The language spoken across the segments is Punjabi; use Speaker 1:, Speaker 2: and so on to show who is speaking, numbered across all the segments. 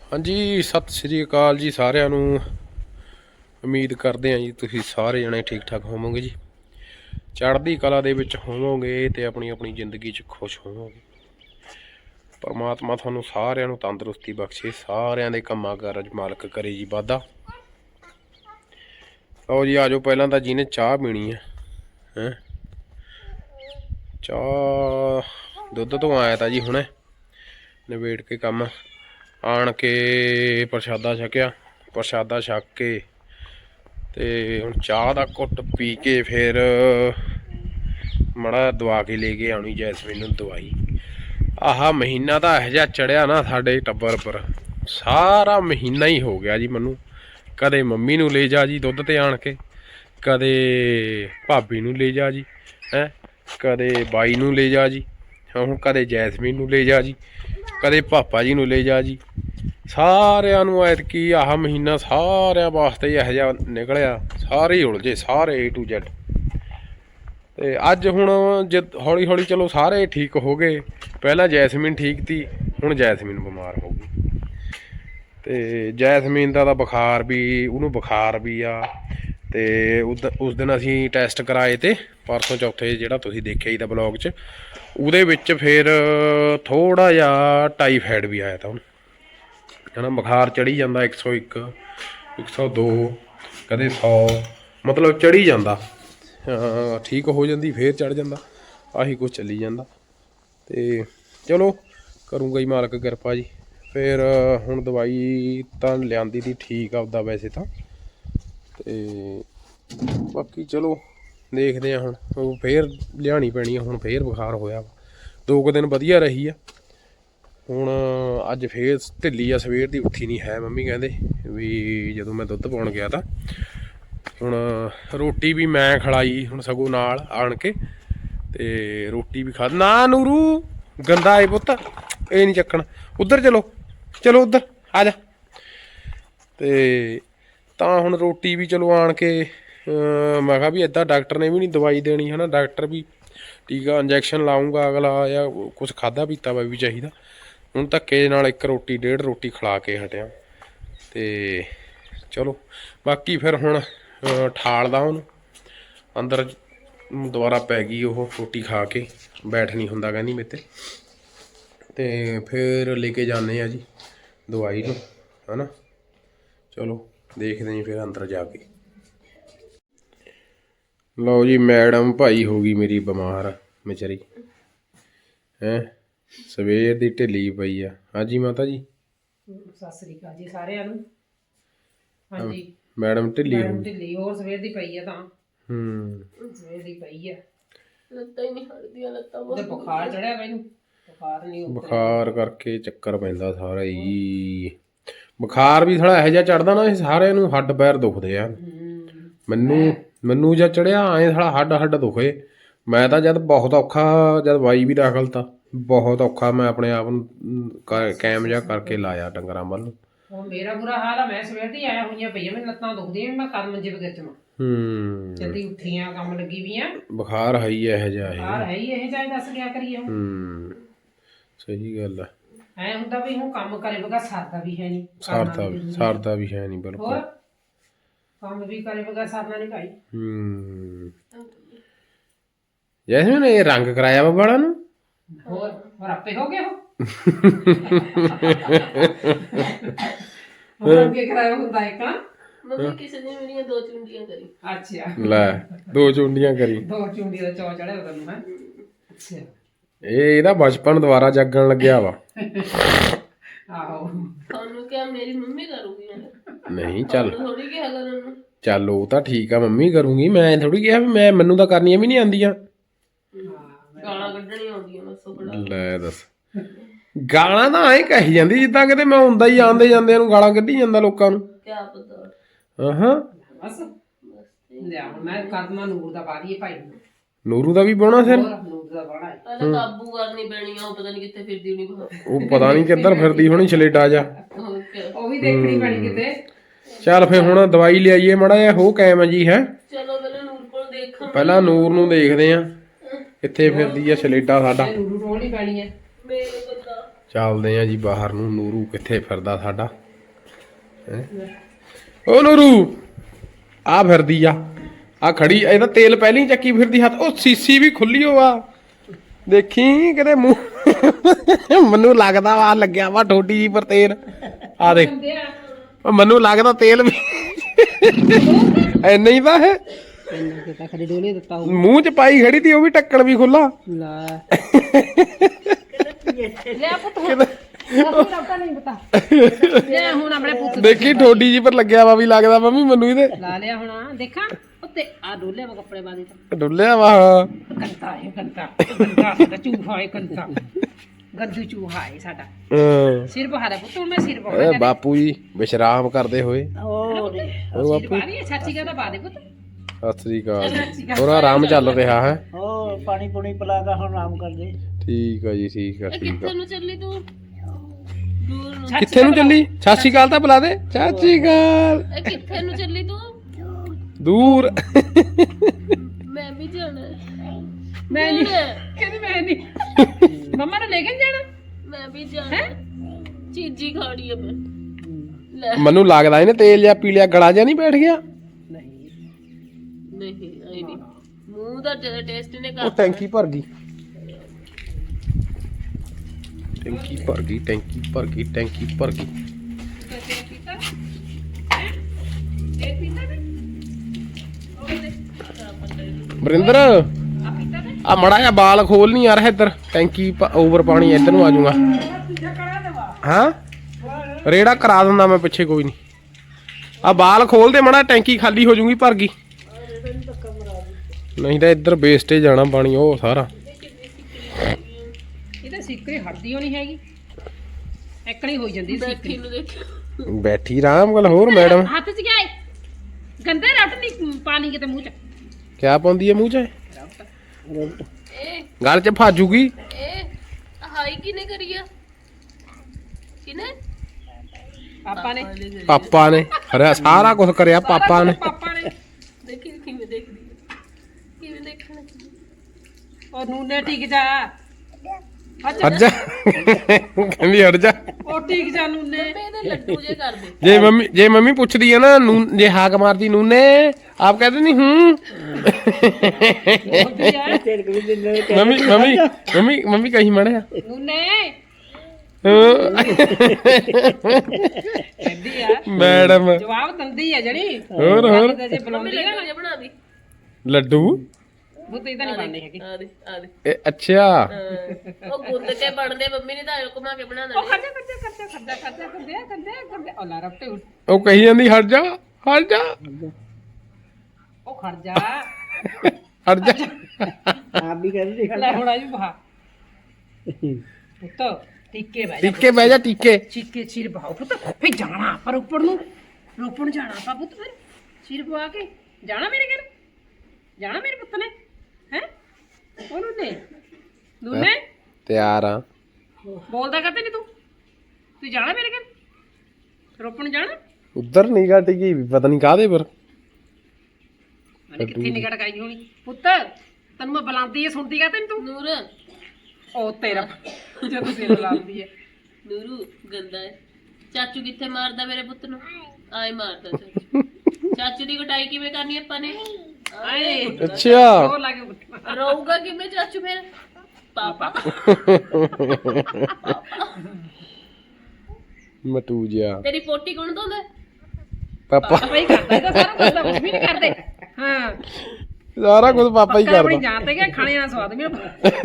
Speaker 1: ਹਾਂਜੀ ਸਤਿ ਸ਼੍ਰੀ ਅਕਾਲ ਜੀ ਸਾਰਿਆਂ ਨੂੰ। ਉਮੀਦ ਕਰਦੇ ਹਾਂ ਜੀ ਤੁਸੀਂ ਸਾਰੇ ਜਣੇ ਠੀਕ ਠਾਕ ਹੋਵੋਗੇ ਜੀ, ਚੜ੍ਹਦੀ ਕਲਾ ਦੇ ਵਿੱਚ ਹੋਵੋਗੇ ਤੇ ਆਪਣੀ ਆਪਣੀ ਜ਼ਿੰਦਗੀ 'ਚ ਖੁਸ਼ ਹੋਵੋਗੇ। ਪਰਮਾਤਮਾ ਤੁਹਾਨੂੰ ਸਾਰਿਆਂ ਨੂੰ ਤੰਦਰੁਸਤੀ ਬਖਸ਼ੇ, ਸਾਰਿਆਂ ਦੇ ਕੰਮਾਂ ਕਾਰਜ ਮਾਲਕ ਕਰੇ ਜੀ ਵਾਧਾ। ਆਓ ਜੀ ਆ ਜਾਓ, ਪਹਿਲਾਂ ਤਾਂ ਜਿਹਨੇ ਚਾਹ ਪੀਣੀ ਹੈ ਚਾਹ ਦੁੱਧ ਤੋਂ ਆਇਆ ਤਾਂ ਜੀ ਹੁਣੇ ਨਿਬੇੜ ਕੇ ਕੰਮ ਆਣ ਕੇ ਪ੍ਰਸ਼ਾਦਾ ਛਕਿਆ, ਪ੍ਰਸ਼ਾਦਾ ਛਕ ਕੇ ਤੇ ਹੁਣ ਚਾਹ ਦਾ ਘੁੱਟ ਪੀ ਕੇ ਫਿਰ ਮਾੜਾ ਦਵਾ ਕੇ ਲੈ ਕੇ ਆਉਣੀ ਜੈਸਮੀਨ ਨੂੰ ਦਵਾਈ। ਆਹ ਮਹੀਨਾ ਤਾਂ ਇਹੋ ਜਿਹਾ ਚੜਿਆ ਨਾ ਸਾਡੇ ਟੱਬਰ ਪਰ, ਸਾਰਾ ਮਹੀਨਾ ਹੀ ਹੋ ਗਿਆ ਜੀ ਮੈਨੂੰ। ਕਦੇ ਮੰਮੀ ਨੂੰ ਲੈ ਜਾ ਜੀ ਦੁੱਧ 'ਤੇ ਆਣ ਕੇ, ਕਦੇ ਭਾਬੀ ਨੂੰ ਲੈ ਜਾ ਜੀ ਕਦੇ ਬਾਈ ਨੂੰ ਲੈ ਜਾ ਜੀ, ਹੁਣ ਕਦੇ ਜੈਸਮੀਨ ਨੂੰ ਲੈ ਜਾ ਜੀ, ਕਦੇ ਪਾਪਾ ਜੀ ਨੂੰ ਲੈ ਜਾ ਜੀ। ਸਾਰਿਆਂ ਨੂੰ ਐਤਕੀ ਆਹ ਮਹੀਨਾ ਸਾਰਿਆਂ ਵਾਸਤੇ ਇਹੋ ਜਿਹਾ ਨਿਕਲਿਆ, ਸਾਰੇ ਉਲਝੇ, ਸਾਰੇ A to Z। ਤੇ ਅੱਜ ਹੁਣ ਹੌਲੀ ਹੌਲੀ ਚਲੋ ਸਾਰੇ ਠੀਕ ਹੋ ਗਏ। ਪਹਿਲਾਂ ਜੈਸਮੀਨ ਠੀਕ ਤੀ, ਹੁਣ ਜੈਸਮੀਨ ਬਿਮਾਰ ਹੋ ਗਈ। ਤੇ ਜੈਸਮੀਨ ਦਾ ਤਾਂ ਬੁਖਾਰ ਵੀ, ਉਹਨੂੰ ਬੁਖਾਰ ਵੀ ਆ। ਤੇ ਉਸ ਦਿਨ ਅਸੀਂ ਟੈਸਟ ਕਰਾਏ ਤੇ ਪਰਸੋਂ ਚੌਥੇ ਜਿਹੜਾ ਤੁਸੀਂ ਦੇਖਿਆ ਹੀ ਤਾਂ ਬਲੌਗ 'ਚ, ਉਹਦੇ ਵਿੱਚ ਫਿਰ ਥੋੜ੍ਹਾ ਜਿਹਾ ਟਾਈਫਾਈਡ ਵੀ ਆਇਆ ਤਾਂ ਉਹਨੂੰ, ਹੈ ਨਾ। ਬੁਖਾਰ ਚੜ੍ਹੀ ਜਾਂਦਾ 101 102 ਕਦੇ 100, ਮਤਲਬ ਚੜ੍ਹੀ ਜਾਂਦਾ। ਠੀਕ ਹੋ ਜਾਂਦੀ ਫਿਰ ਚੜ੍ਹ ਜਾਂਦਾ, ਆਹੀ ਕੁਛ ਚੱਲੀ ਜਾਂਦਾ। ਤੇ ਚਲੋ ਕਰੂੰਗਾ ਜੀ ਮਾਲਕ ਕਿਰਪਾ ਜੀ। ਫਿਰ ਹੁਣ ਦਵਾਈ ਤਾਂ ਲਿਆਂਦੀ ਤੀ ਠੀਕ ਆ ਉੱਦਾਂ ਵੈਸੇ ਤਾਂ, ਤੇ ਬਾਕੀ ਚਲੋ ਦੇਖਦੇ ਹਾਂ। ਹੁਣ ਉਹ ਫਿਰ ਲਿਆਉਣੀ ਪੈਣੀ ਆ, ਹੁਣ ਫਿਰ ਬੁਖਾਰ ਹੋਇਆ 2 ਕੁ ਦਿਨ ਵਧੀਆ ਰਹੀ ਆ, ਹੁਣ ਅੱਜ ਫੇਰ ਢਿੱਲੀ ਆ, ਸਵੇਰ ਦੀ ਉੱਠੀ ਨਹੀਂ ਹੈ। ਮੰਮੀ ਕਹਿੰਦੇ ਵੀ ਜਦੋਂ ਮੈਂ ਦੁੱਧ ਪਾਉਣ ਗਿਆ ਤਾਂ ਹੁਣ ਰੋਟੀ ਵੀ ਮੈਂ ਖਿਲਾਈ ਹੁਣ ਸਗੋਂ ਨਾਲ ਆਣ ਕੇ, ਤੇ ਰੋਟੀ ਵੀ ਖਾ ਨਾ। ਨੂਰੂ ਗੰਦਾ ਏ ਪੁੱਤ, ਇਹ ਨਹੀਂ ਚੱਕਣਾ, ਉੱਧਰ ਚਲੋ ਚਲੋ ਉੱਧਰ ਆ ਜਾ। ਤੇ ਤਾਂ ਹੁਣ ਰੋਟੀ ਵੀ ਚਲੋ ਆਣ ਕੇ ਮੈਂ ਕਿਹਾ ਵੀ ਇੱਦਾਂ ਡਾਕਟਰ ਨੇ ਵੀ ਨਹੀਂ ਦਵਾਈ ਦੇਣੀ ਹੈ ਨਾ, ਡਾਕਟਰ ਵੀ ਟੀਕਾ ਇੰਜੈਕਸ਼ਨ ਲਾਊਂਗਾ ਅਗਲਾ, ਜਾਂ ਕੁਛ ਖਾਧਾ ਪੀਤਾ ਵਾ ਵੀ ਚਾਹੀਦਾ। ਹੁਣ ਧੱਕੇ ਨਾਲ 1 ਰੋਟੀ 1.5 ਰੋਟੀ ਖਿਲਾ ਕੇ ਹਟਿਆ। ਤੇ ਚਲੋ ਬਾਕੀ ਫਿਰ ਹੁਣ ਠਾਲਦਾ ਉਹਨੂੰ ਅੰਦਰ, ਦੁਬਾਰਾ ਪੈ ਗਈ ਉਹ ਰੋਟੀ ਖਾ ਕੇ, ਬੈਠ ਨਹੀਂ ਹੁੰਦਾ ਕਹਿੰਦੀ ਮੇਰੇ 'ਤੇ। ਤੇ ਫਿਰ ਲੈ ਕੇ ਜਾਂਦੇ ਆ ਜੀ ਦਵਾਈ ਨੂੰ, ਹੈ ਨਾ। ਚਲੋ ਦੇਖਦੇ ਜੀ ਫਿਰ ਅੰਦਰ ਜਾ ਕੇ। ਲਓ ਜੀ ਮੈਡਮ ਭਾਈ ਹੋ ਗਈ ਮੇਰੀ ਬਿਮਾਰ ਵਿਚਾਰੀ, ਸਵੇਰ ਦੀ ਢਿੱਲੀ ਪਈ ਆ। ਹਾਂਜੀ ਮਾਤਾ ਜੀ
Speaker 2: ਸਤਿ ਸ੍ਰੀ ਅਕਾਲ ਜੀ ਸਾਰਿਆਂ ਨੂੰ। ਹਾਂਜੀ
Speaker 1: ਮੈਡਮ ਢਿੱਲੀ ਹੋ ਗਈ,
Speaker 2: ਢਿੱਲੀ ਹੋਰ ਸਵੇਰ ਦੀ ਪਈ ਆ, ਤਾਂ ਸਵੇਰ ਦੀ ਪਈ ਆ,
Speaker 3: ਲੱਤਾਂ ਹੀ ਨਹੀਂ ਹਟਦੀਆਂ, ਲੱਤਾਂ ਬਹੁਤ
Speaker 2: ਬੁਖਾਰ ਚੜਿਆ ਮੈਨੂੰ, ਬੁਖਾਰ ਨਹੀਂ
Speaker 1: ਬੁਖਾਰ ਕਰਕੇ ਚੱਕਰ ਪੈਂਦਾ ਸਾਰਾ ਹੀ। ਬੁਖਾਰ ਵੀ ਥੋੜਾ ਇਹੋ ਜਿਹਾ ਚੜਦਾ ਨਾ, ਸਾਰਿਆਂ ਨੂੰ ਹੱਡ ਪੈਰ ਦੁਖਦੇ ਆ। ਮੈਨੂੰ ਜਦ ਚੜਿਆ ਐਂ ਥੋੜਾ ਹੱਡ ਦੁਖੇ। ਮੈਂ ਤਾਂ ਜਦ ਬਹੁਤ ਔਖਾ, ਜਦ ਬਾਈ ਵੀ ਦਾਖਲ ਤਾਂ ਬਹੁਤ ਔਖਾ ਮੈਂ ਆਪਣੇ ਆਪ ਨੂੰ ਕੈਮ ਜਿਹਾ ਕਰਕੇ ਲਾਇਆ ਡੰਗਰਾਂ ਵੱਲ ਨੂੰ।
Speaker 2: ਹੁਣ ਮੇਰਾ ਬੁਰਾ ਹਾਲ ਆ, ਮੈਂ ਸਵੇਰ ਦੀ ਆਇਆ ਹੋਈਆਂ ਪਈਆਂ, ਮੈਨੂੰ ਲੱਤਾਂ ਦੁਖਦੀਆਂ, ਮੈਂ ਕਰ ਮੰਜੇ ਬਗੈਰ ਚਵਾਂ ਜਲਦੀ ਉੱਠੀਆਂ, ਕੰਮ ਲੱਗੀ ਵੀ ਆ।
Speaker 1: ਬੁਖਾਰ ਹੈ ਹੀ ਇਹੋ ਜਿਹਾ
Speaker 2: ਹੈ ਹੀ ਇਹ ਚਾਹੇ ਦੱਸ ਕਿਆ ਕਰੀਏ ਹੁਣ।
Speaker 1: ਸਹੀ ਗੱਲ ਆ।
Speaker 2: ਐ ਹੁੰਦਾ ਵੀ ਹੁਣ ਕੰਮ ਕਰੇ ਬਗਾ ਸਰਦਾ ਵੀ ਹੈ ਨਹੀਂ,
Speaker 1: ਸਰਦਾ ਵੀ ਹੈ ਨਹੀਂ ਬਿਲਕੁਲ।
Speaker 2: ਹੋਰ ਕੰਮ ਵੀ ਕਰੇ ਬਗਾ ਸਰਨਾ ਨਹੀਂ ਭਾਈ।
Speaker 1: ਜੈਸਮੀਨ ਇਹ ਰੰਗ ਕਰਾਇਆ ਵਾ ਵਾਲਾਂ ਨੂੰ,
Speaker 2: ਹੋਰ ਆਪੇ ਹੋ ਗਏ ਉਹ ਰੰਗੇ ਕਰਾਇਆ ਹੁੰਦਾ ਇੱਕ ਨਾ।
Speaker 3: ਮੰਮੀ ਕਿਸੇ ਨੇ ਮੇਰੀਆਂ 2 ਚੁੰਡੀਆਂ ਕਰੀ।
Speaker 2: ਅੱਛਾ
Speaker 1: ਲੈ 2 ਚੁੰਡੀਆਂ ਕਰੀ,
Speaker 2: 2 ਚੁੰਡੀ ਦਾ ਚੌ ਚੜਿਆ ਤੈਨੂੰ ਹੈ। ਅੱਛਾ
Speaker 1: ਇਹਦਾ ਬਚਪਨ ਦੁਬਾਰਾ ਜਾਗਣ ਲੱਗਿਆ ਵਾ।
Speaker 2: ਆਹੋ
Speaker 3: ਤੁਹਾਨੂੰ ਕਿਹਾ ਮੇਰੀ ਮੰਮੀ ਕਰੂਗੀ,
Speaker 1: ਨਹੀਂ ਚੱਲ
Speaker 3: ਥੋੜੀ ਕਿਹਾ ਕਰਨ।
Speaker 1: ਚੱਲ ਉਹ ਤਾਂ ਠੀਕ ਆ, ਮੰਮੀ ਕਰੂੰਗੀ, ਮੈਂ ਥੋੜੀ ਕਿਹਾ ਵੀ ਮੈਨੂੰ ਤਾਂ ਕਰਨੀਆਂ ਵੀ ਨਹੀਂ ਆਉਂਦੀਆਂ।
Speaker 3: ਗਾਲਾਂ ਕੱਢਣੀਆਂ ਆਉਂਦੀਆਂ ਬਸ ਉਹ ਬੜਾ।
Speaker 1: ਲੈ ਦੱਸ, ਗਾਲਾਂ ਤਾਂ ਐਂ ਕਹੀ ਜਾਂਦੀ ਜਿੱਦਾਂ ਕਿਤੇ ਮੈਂ ਹੁੰਦਾ ਹੀ ਆਉਂਦੇ ਜਾਂਦਿਆਂ ਨੂੰ ਗਾਲਾਂ ਕੱਢੀ ਜਾਂਦਾ ਲੋਕਾਂ ਨੂੰ।
Speaker 3: ਕਿਆ ਪਤਾ।
Speaker 2: ਬਸ ਲਿਆ ਹੁਣ ਮੈਂ ਕਰਨਾ ਨੂਰ ਦਾ ਪਾ ਦਈਏ ਭਾਈ ਨੂੰ।
Speaker 1: ਨੂਰੂ ਦਾ ਵੀ ਪਾਉਣਾ ਫਿਰ,
Speaker 2: ਨੂਰ ਦਾ ਪਾਉਣਾ
Speaker 3: ਪਹਿਲਾਂ ਕਾਬੂ ਕਰਨੀ ਪੈਣੀ ਆ, ਉਹ ਪਤਾ ਨਹੀਂ ਕਿੱਥੇ ਫਿਰਦੀ ਹੋਣੀ।
Speaker 1: ਉਹ ਪਤਾ ਨਹੀਂ ਕਿੱਧਰ ਫਿਰਦੀ ਹੋਣੀ ਛਲੇਟਾ ਜਾ,
Speaker 2: ਉਹ ਵੀ ਦੇਖਣੀ ਪੈਣੀ ਕਿਤੇ।
Speaker 1: ਚੱਲ ਫਿਰ ਹੁਣ ਦਵਾਈ ਲਿਆਈਏ ਮਾੜਾ ਜਿਹਾ ਹੋ ਕੈਮ ਜੀ ਹੈ।
Speaker 3: ਚਲੋ ਪਹਿਲਾਂ ਨੂਰ ਕੋਲ ਦੇਖਾਂ,
Speaker 1: ਪਹਿਲਾਂ ਨੂਰ ਨੂੰ ਦੇਖਦੇ ਆ ਕਿੱਥੇ ਫਿਰਦੀ ਆ ਛਲੇਟਾ ਸਾਡਾ।
Speaker 2: ਨੂਰ ਰੋਣੀ ਪੈਣੀ ਹੈ
Speaker 3: ਮੇਰੇ ਬੰਦਾ
Speaker 1: ਚੱਲਦੇ ਆ ਜੀ ਬਾਹਰ ਨੂੰ। ਨੂਰੂ ਕਿੱਥੇ ਫਿਰਦਾ ਸਾਡਾ ਹੈਂ? ਓ ਨੂਰੂ ਆ ਫਿਰਦੀ ਆ ਖੜੀ। ਇਹਦਾ ਤੇਲ ਪਹਿਲਾਂ ਹੀ ਚੱਕੀ ਫਿਰਦੀ ਹੱਥ। ਉਹ ਸੀਸੀ ਵੀ ਖੁੱਲੀ ਓ ਆ, ਦੇਖੀ ਕਿਤੇ ਮੂੰਹ ਮੈਨੂੰ ਲੱਗਦਾ ਵਾ ਲੱਗਿਆ ਵਾ ਠੋਡੀ ਜੀ ਪਰ ਤੇਲ। ਆ ਦੇਖ ਉਹ ਮੈਨੂੰ ਲੱਗਦਾ ਤੇਲ ਵੀ ਐਨਾ ਹੀ ਤਾਂ ਹੈ। ਮੂੰਹ ਚ ਪਾਈ ਖੜੀ ਤੀ, ਉਹ ਵੀ ਢੱਕਣ ਵੀ ਖੁੱਲਾ।
Speaker 2: ਹੁਣ ਆਪਣੇ ਪੁੱਤ
Speaker 1: ਦੇਖੀ ਠੋਡੀ ਜੀ ਪਰ ਲੱਗਿਆ ਵਾ ਵੀ ਲੱਗਦਾ ਮੰਮੀ ਮੈਨੂੰ ਇਹਦੇ।
Speaker 2: ਲਾ ਲਿਆ ਹੁਣ ਦੇਖਾਂ ਉੱਤੇ ਆ ਡੋਲੇ ਵਾ ਕੱਪੜੇ ਬਾਦੀ ਤਾਂ
Speaker 1: ਡੁੱਲਿਆ ਵਾ।
Speaker 2: ਕੰਤਾ ਹੈ ਕੰਤਾ ਸਾਡਾ ਚੂਹਾ ਹੈ ਕੰਤਾ ਗੱਦੂ ਚੂਹਾ ਹੈ ਸਾਡਾ। ਸਿਰ ਬਹਾਰਾ ਪੁੱਤ ਹੁਣ ਮੈਂ ਸਿਰ ਬਹਾਰਾ
Speaker 1: ਏ ਬਾਪੂ ਜੀ ਵਿਸ਼ਰਾਮ ਕਰਦੇ ਹੋਏ।
Speaker 2: ਸਿਰ ਬਾਰੀ ਸੱਚੀ ਗੱਲ ਪਾ ਦੇ ਪੁੱਤ।
Speaker 1: ਸਤਿ ਸ੍ਰੀ ਅਕਾਲ। ਹੋਰ ਆਰਾਮ ਚੱਲ ਰਿਹਾ ਹੈ।
Speaker 4: ਹੋਰ ਪਾਣੀ ਪੂਣੀ ਪਿਲਾ ਕੇ ਹੁਣ ਆਰਾਮ ਕਰਦੇ।
Speaker 1: ਠੀਕ ਆ ਜੀ, ਠੀਕ ਆ, ਠੀਕ ਆ।
Speaker 3: ਕਿੱਥੇ ਨੂੰ ਚੱਲੀ ਤੂੰ? ਦੂਰ ਨੂੰ।
Speaker 1: ਕਿੱਥੇ ਨੂੰ ਚੱਲੀ? ਸਤਿ ਸ੍ਰੀ ਅਕਾਲ ਤਾਂ ਬੁਲਾ ਦੇ। ਸਤਿ ਸ੍ਰੀ ਅਕਾਲ।
Speaker 3: ਇਹ ਕਿੱਥੇ ਨੂੰ ਚੱਲੀ ਤੂੰ?
Speaker 1: ਦੂਰ।
Speaker 3: ਮੈਂ ਵੀ ਜਾਣਾ ਹੈ।
Speaker 2: ਮੈਂ ਨਹੀਂ ਕਹਿੰਦੀ ਮੈਂ ਨਹੀਂ ਮੰਮਾ ਨੂੰ ਲੈ ਕੇ ਨੀ ਜਾਣਾ।
Speaker 3: ਮੈਂ ਵੀ ਜਾਣਾ ਹੈ। ਚੀਜ਼ੀ ਖਾਣੀ ਹੈ ਮੈਂ। ਲੈ
Speaker 1: ਮੈਨੂੰ ਲੱਗਦਾ ਇਹਨੇ ਤੇਲ ਜਿਹਾ ਪੀ ਲਿਆ, ਗਲਾ ਜਿਹਾ ਨਹੀਂ ਬੈਠ ਗਿਆ।
Speaker 3: ਨਹੀਂ ਆਈ ਨਹੀਂ, ਮੂੰਹ ਦਾ ਟੇਸਟ ਨੇ
Speaker 1: ਉਹ
Speaker 3: ਕਰ।
Speaker 1: ਟੈਂਕੀ ਭਰ ਗਈ, ਟੈਂਕੀ ਭਰ ਗਈ, ਟੈਂਕੀ ਭਰ ਗਈ, ਟੈਂਕੀ ਭਰ ਗਈ। ਵਰਿੰਦਰ ਆ ਮੜਾ ਜਿਹਾ ਬਾਲ ਖੋਲ ਨਹੀਂ ਯਾਰ ਇੱਧਰ। ਟੈਂਕੀ ਓਵਰ ਪਾਣੀ ਇੱਧਰ ਨੂੰ ਆ ਜਾਊਗਾ। ਹਾਂ ਰੇੜਾ ਕਰਾ ਦਿੰਦਾ ਮੈਂ ਪਿੱਛੇ, ਕੋਈ ਨਹੀਂ। ਆ ਬਾਲ ਖੋਲ ਦੇ ਮੜਾ, ਟੈਂਕੀ ਖਾਲੀ ਹੋ ਜੂਗੀ ਭਰ ਗਈ। ਨਹੀਂ ਤਾਂ ਇੱਧਰ ਵੇਸਟੇਜ ਜਾਣਾ ਪਾਣੀ ਉਹ ਸਾਰਾ।
Speaker 2: ਇਹ ਤਾਂ ਸਿੱਕਰੀ ਹਟਦੀ ਹੋਣੀ ਹੈਗੀ, ਐਕਣੀ ਹੋਈ ਜਾਂਦੀ ਸਿੱਕਰੀ
Speaker 3: ਨੂੰ ਦੇਖ।
Speaker 1: ਬੈਠੀ ਆਰਾਮ ਗੱਲ। ਹੋਰ ਮੈਡਮ
Speaker 2: ਹੱਥ 'ਚ ਗਿਆ ਏ ਗੰਦੇ ਰੱਟ ਨਹੀਂ ਪਾਣੀ ਕਿਤੇ ਮੂੰਹ 'ਚ।
Speaker 1: ਕਿਆ ਪਾਉਂਦੀ ਹੈ ਮੂੰਹ 'ਚ?
Speaker 3: ਇਹ
Speaker 1: ਗਲ 'ਚ ਫਾਜੂਗੀ।
Speaker 3: ਇਹ ਹਾਈ ਕਿਨੇ ਕਰੀ ਆ? ਕਿਨੇ?
Speaker 2: ਪਾਪਾ ਨੇ
Speaker 1: ਪਾਪਾ ਨੇ ਹਰਿਆ ਸਾਰਾ ਕੁਝ ਕਰਿਆ ਪਾਪਾ ਨੇ।
Speaker 2: ਪਾਪਾ ਨੇ
Speaker 3: ਦੇਖੀ ਕਿਵੇਂ ਦੇਖਦੀ ਹੈ, ਕਿਵੇਂ ਦੇਖਣਾ।
Speaker 2: ਉਹ ਨੂਨੇ ਟਿਕ ਜਾ
Speaker 1: ਹਟ ਜਾ ਕਹਿੰਦੀ ਹਟ ਜਾ।
Speaker 2: ਉਹ ਟਿਕ ਜਾ ਨੂਨੇ।
Speaker 3: ਇਹਦੇ ਲੱਡੂ ਜੇ ਕਰ ਦੇ।
Speaker 1: ਜੇ ਮੰਮੀ ਪੁੱਛਦੀ ਹੈ ਨਾ ਜੇ ਹਾਕ ਮਾਰਦੀ ਨੂਨੇ ਆਪ ਕਹਦੇ ਨਹੀਂ ਹੂੰ।
Speaker 2: ਬੋਲਦੀ ਆ
Speaker 4: ਤੇਰੇ ਵੀ ਦਿੰਦੇ
Speaker 1: ਮੰਮੀ ਮੰਮੀ ਮੰਮੀ ਮੰਮੀ ਕਹੀ ਮੜਿਆ
Speaker 2: ਨੂਨੇ ਕਹਿੰਦੀ ਆ
Speaker 1: ਮੈਡਮ।
Speaker 2: ਜਵਾਬ ਦਿੰਦੀ ਆ ਜਿਹੜੀ
Speaker 1: ਹੋਰ ਹੋਰ
Speaker 2: ਤੇ ਜੇ ਬੁਲਾਉਂਦੀ ਆ
Speaker 3: ਲੱਡੂ ਜੇ ਬਣਾ ਦੀ।
Speaker 1: ਲੱਡੂ
Speaker 2: ਉਹ ਤੇ ਇਦਾਂ ਨਹੀਂ ਬਣਨੀ ਹੈਗੀ।
Speaker 3: ਆ ਦੇ ਆ ਦੇ।
Speaker 1: ਇਹ ਅੱਛਾ
Speaker 3: ਉਹ ਗੁੰਦ ਕੇ ਬਣਦੇ, ਮੰਮੀ ਨੇ ਤਾਂ ਘੁਮਾ ਕੇ ਬਣਾ
Speaker 2: ਉਹ
Speaker 3: ਦੇਣੇ।
Speaker 2: ਖਰਚਾ ਉਹ ਲਾ ਰੱਟੇ
Speaker 1: ਉਹ ਕਹੀ ਜਾਂਦੀ ਹਟ ਜਾ ਹਟ ਜਾ
Speaker 2: ਉਹ ਖੜ ਜਾ
Speaker 1: ਹਟ ਜਾ।
Speaker 4: ਆਪ ਵੀ ਕਹਿੰਦੇ
Speaker 2: ਲੈ ਹੁਣ ਆਜੂ ਬਹਾ ਪੁੱਤ ਟਿੱਕੇ ਬਹਿ ਜਾ
Speaker 1: ਟੀਕੇ ਬਹਿ ਜਾ ਟੀਕੇ।
Speaker 2: ਚੀਕੇ ਸਿਰ ਬਹਾਓ ਪੁੱਤ ਫੇ ਜਾਣਾ ਪਰ ਉੱਪਰ ਨੂੰ ਰੋਪਣ ਜਾਣਾ ਆਪਾਂ ਪੁੱਤ ਫਿਰ ਸਿਰ ਪਵਾ ਕੇ ਜਾਣਾ ਮੇਰੇ ਘਰ ਜਾਣਾ ਮੇਰੇ ਪੁੱਤ ਨੇ ਹੈ ਉਹਨੂੰ ਨੇ ਨੂਨੇ
Speaker 1: ਤਿਆਰ ਆ।
Speaker 2: ਬੋਲਦਾ ਕਰਦੇ ਨਹੀਂ ਤੂੰ ਜਾਣਾ ਮੇਰੇ ਘਰ ਰੋਪਣ ਜਾਣਾ
Speaker 1: ਉਧਰ ਨਿਗਾਹ ਟਿਕੀ ਵੀ ਪਤਾ ਨਹੀਂ ਕਾਹਦੇ ਪਰ।
Speaker 2: ਮੈਨੇ ਕਿੱਥੇ ਨਿਗੜ ਕਾਈ ਹੋਣੀ ਪੁੱਤ ਤੈਨੂੰ ਮੈਂ ਬੁਲਾਉਂਦੀ ਐ ਸੁਣਦੀ ਕਾ ਤੈਨੂੰ ਤੂੰ
Speaker 3: ਨੂਰ
Speaker 2: ਉਹ ਤੇਰਾ ਜਦੋਂ ਸਿਰ ਬੁਲਾਉਂਦੀ ਐ
Speaker 3: ਨੂਰੂ ਗੰਦਾ ਹੈ। ਚਾਚੂ ਕਿੱਥੇ ਮਾਰਦਾ ਮੇਰੇ ਪੁੱਤ ਨੂੰ? ਆਏ ਮਾਰਦਾ ਚਾਚੂ। ਚਾਚੂ ਦੀ ਕਟਾਈ ਕਿਵੇਂ ਕਰਨੀ ਆਪਾਂ ਨੇ? ਆਏ
Speaker 1: ਅੱਛਾ
Speaker 2: ਉਹ ਲਾ ਕੇ ਉੱਠਣਾ।
Speaker 3: ਰਹੂਗਾ ਕਿਵੇਂ ਚਾਚੂ ਫਿਰ? ਪਾਪਾ
Speaker 1: ਮਟੂ ਜਿਆ
Speaker 3: ਤੇਰੀ ਪੋਟੀ ਕੌਣ ਧੋਂਦਾ?
Speaker 1: ਪਾਪਾ
Speaker 2: ਪਾਪਾ ਹੀ ਕਰਦਾ ਇਹਦਾ ਸਾਰਾ ਕੁਝ ਤਾਂ ਕੁਝ ਵੀ ਨਹੀਂ ਕਰਦੇ ਹਾਂ
Speaker 1: ਸਾਰਾ ਕੁਝ ਪਾਪਾ ਹੀ
Speaker 2: ਪੱਕਾ ਆਪਣੀ
Speaker 1: ਕਰਦਾ।
Speaker 2: ਜਾਨ ਤੇ ਗਿਆ ਖਾਣੇ ਨਾਲ ਸਵਾਦ ਵੀ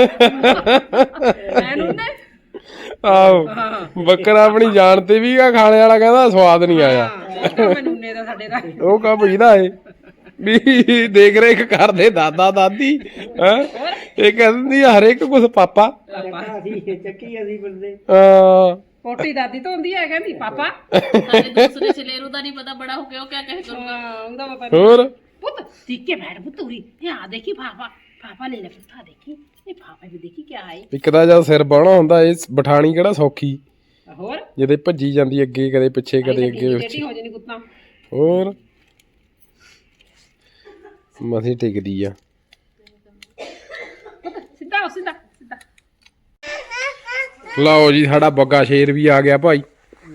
Speaker 2: ਐਨੂੰ ਨੇ
Speaker 1: ਆਹੋ ਬੱਕਰਾ ਆਪਣੀ ਜਾਨ ਤੇ ਵੀ ਆ, ਖਾਣੇ ਵਾਲਾ ਕਹਿੰਦਾ ਸਵਾਦ ਨਹੀਂ ਆਇਆ।
Speaker 2: ਮੈਨੂੰ ਨੇ ਦਾ ਸਾਡੇ ਦਾ
Speaker 1: ਉਹ ਕਾ ਭਈਦਾ ਏ ਵੀ ਦੇਖ ਰੇਖ ਕਰਦੇ ਦਾਦਾ ਦਾਦੀ ਹੈ। ਇਹ ਕਹਿੰਦੀ ਆ ਹਰੇਕ ਕੁਝ ਪਾਪਾ।
Speaker 4: ਅਸੀਂ ਚੱਕੀ ਅਸੀਂ ਬੰਦੇ
Speaker 2: ਪੋਟੀ ਦਾਦੀ ਤੋਂ ਹੁੰਦੀ ਹੈ ਕਹਿੰਦੀ ਪਾਪਾ
Speaker 3: ਸਾਡੇ ਦੂਸਰੇ ਚਲੇਰੂ ਦਾ ਨਹੀਂ ਪਤਾ, ਬੜਾ ਹੋ ਕੇ ਉਹ ਕਿਆ ਕਹੇ ਕਰੂਗਾ।
Speaker 2: ਉਹਦਾ ਪਤਾ
Speaker 1: ਹੋਰ
Speaker 2: ਪੁੱਤ ਟਿੱਕੇ ਬੈਠ ਪੁੱਤ ਉਰੀ ਇਹ ਆ ਦੇਖੀ ਪਾਪਾ ਪਾਪਾ ਲੈ ਲੈ ਪੁੱਤ ਆ ਦੇਖੀ ਇਹ ਪਾਪਾ ਵੀ ਦੇਖੀ ਕਿਆ ਹੈ
Speaker 1: ਇੱਕ ਤਾਂ ਜਦ ਸਿਰ ਬਾਹਣਾ ਹੁੰਦਾ ਇਹ ਬਠਾਣੀ ਕਿਹੜਾ ਸੌਖੀ,
Speaker 2: ਹੋਰ
Speaker 1: ਜਿਹਦੇ ਭੱਜੀ ਜਾਂਦੀ ਅੱਗੇ ਕਦੇ ਪਿੱਛੇ ਕਦੇ ਅੱਗੇ
Speaker 2: ਟੇਢੀ
Speaker 1: ਪਿੱਛੇ।
Speaker 2: ਹੋ ਜਾਣੀ ਕੁੱਤਾ
Speaker 1: ਹੋਰ ਮਸੀਂ ਟਿਕਦੀ ਆ।
Speaker 2: ਪੁੱਤ ਸਿੱਧਾ ਹੋ ਸਿੱਧਾ ਸਿੱਧਾ
Speaker 1: ਲਓ ਜੀ ਸਾਡਾ ਬੱਗਾ ਸ਼ੇਰ ਵੀ ਆ ਗਿਆ ਭਾਈ।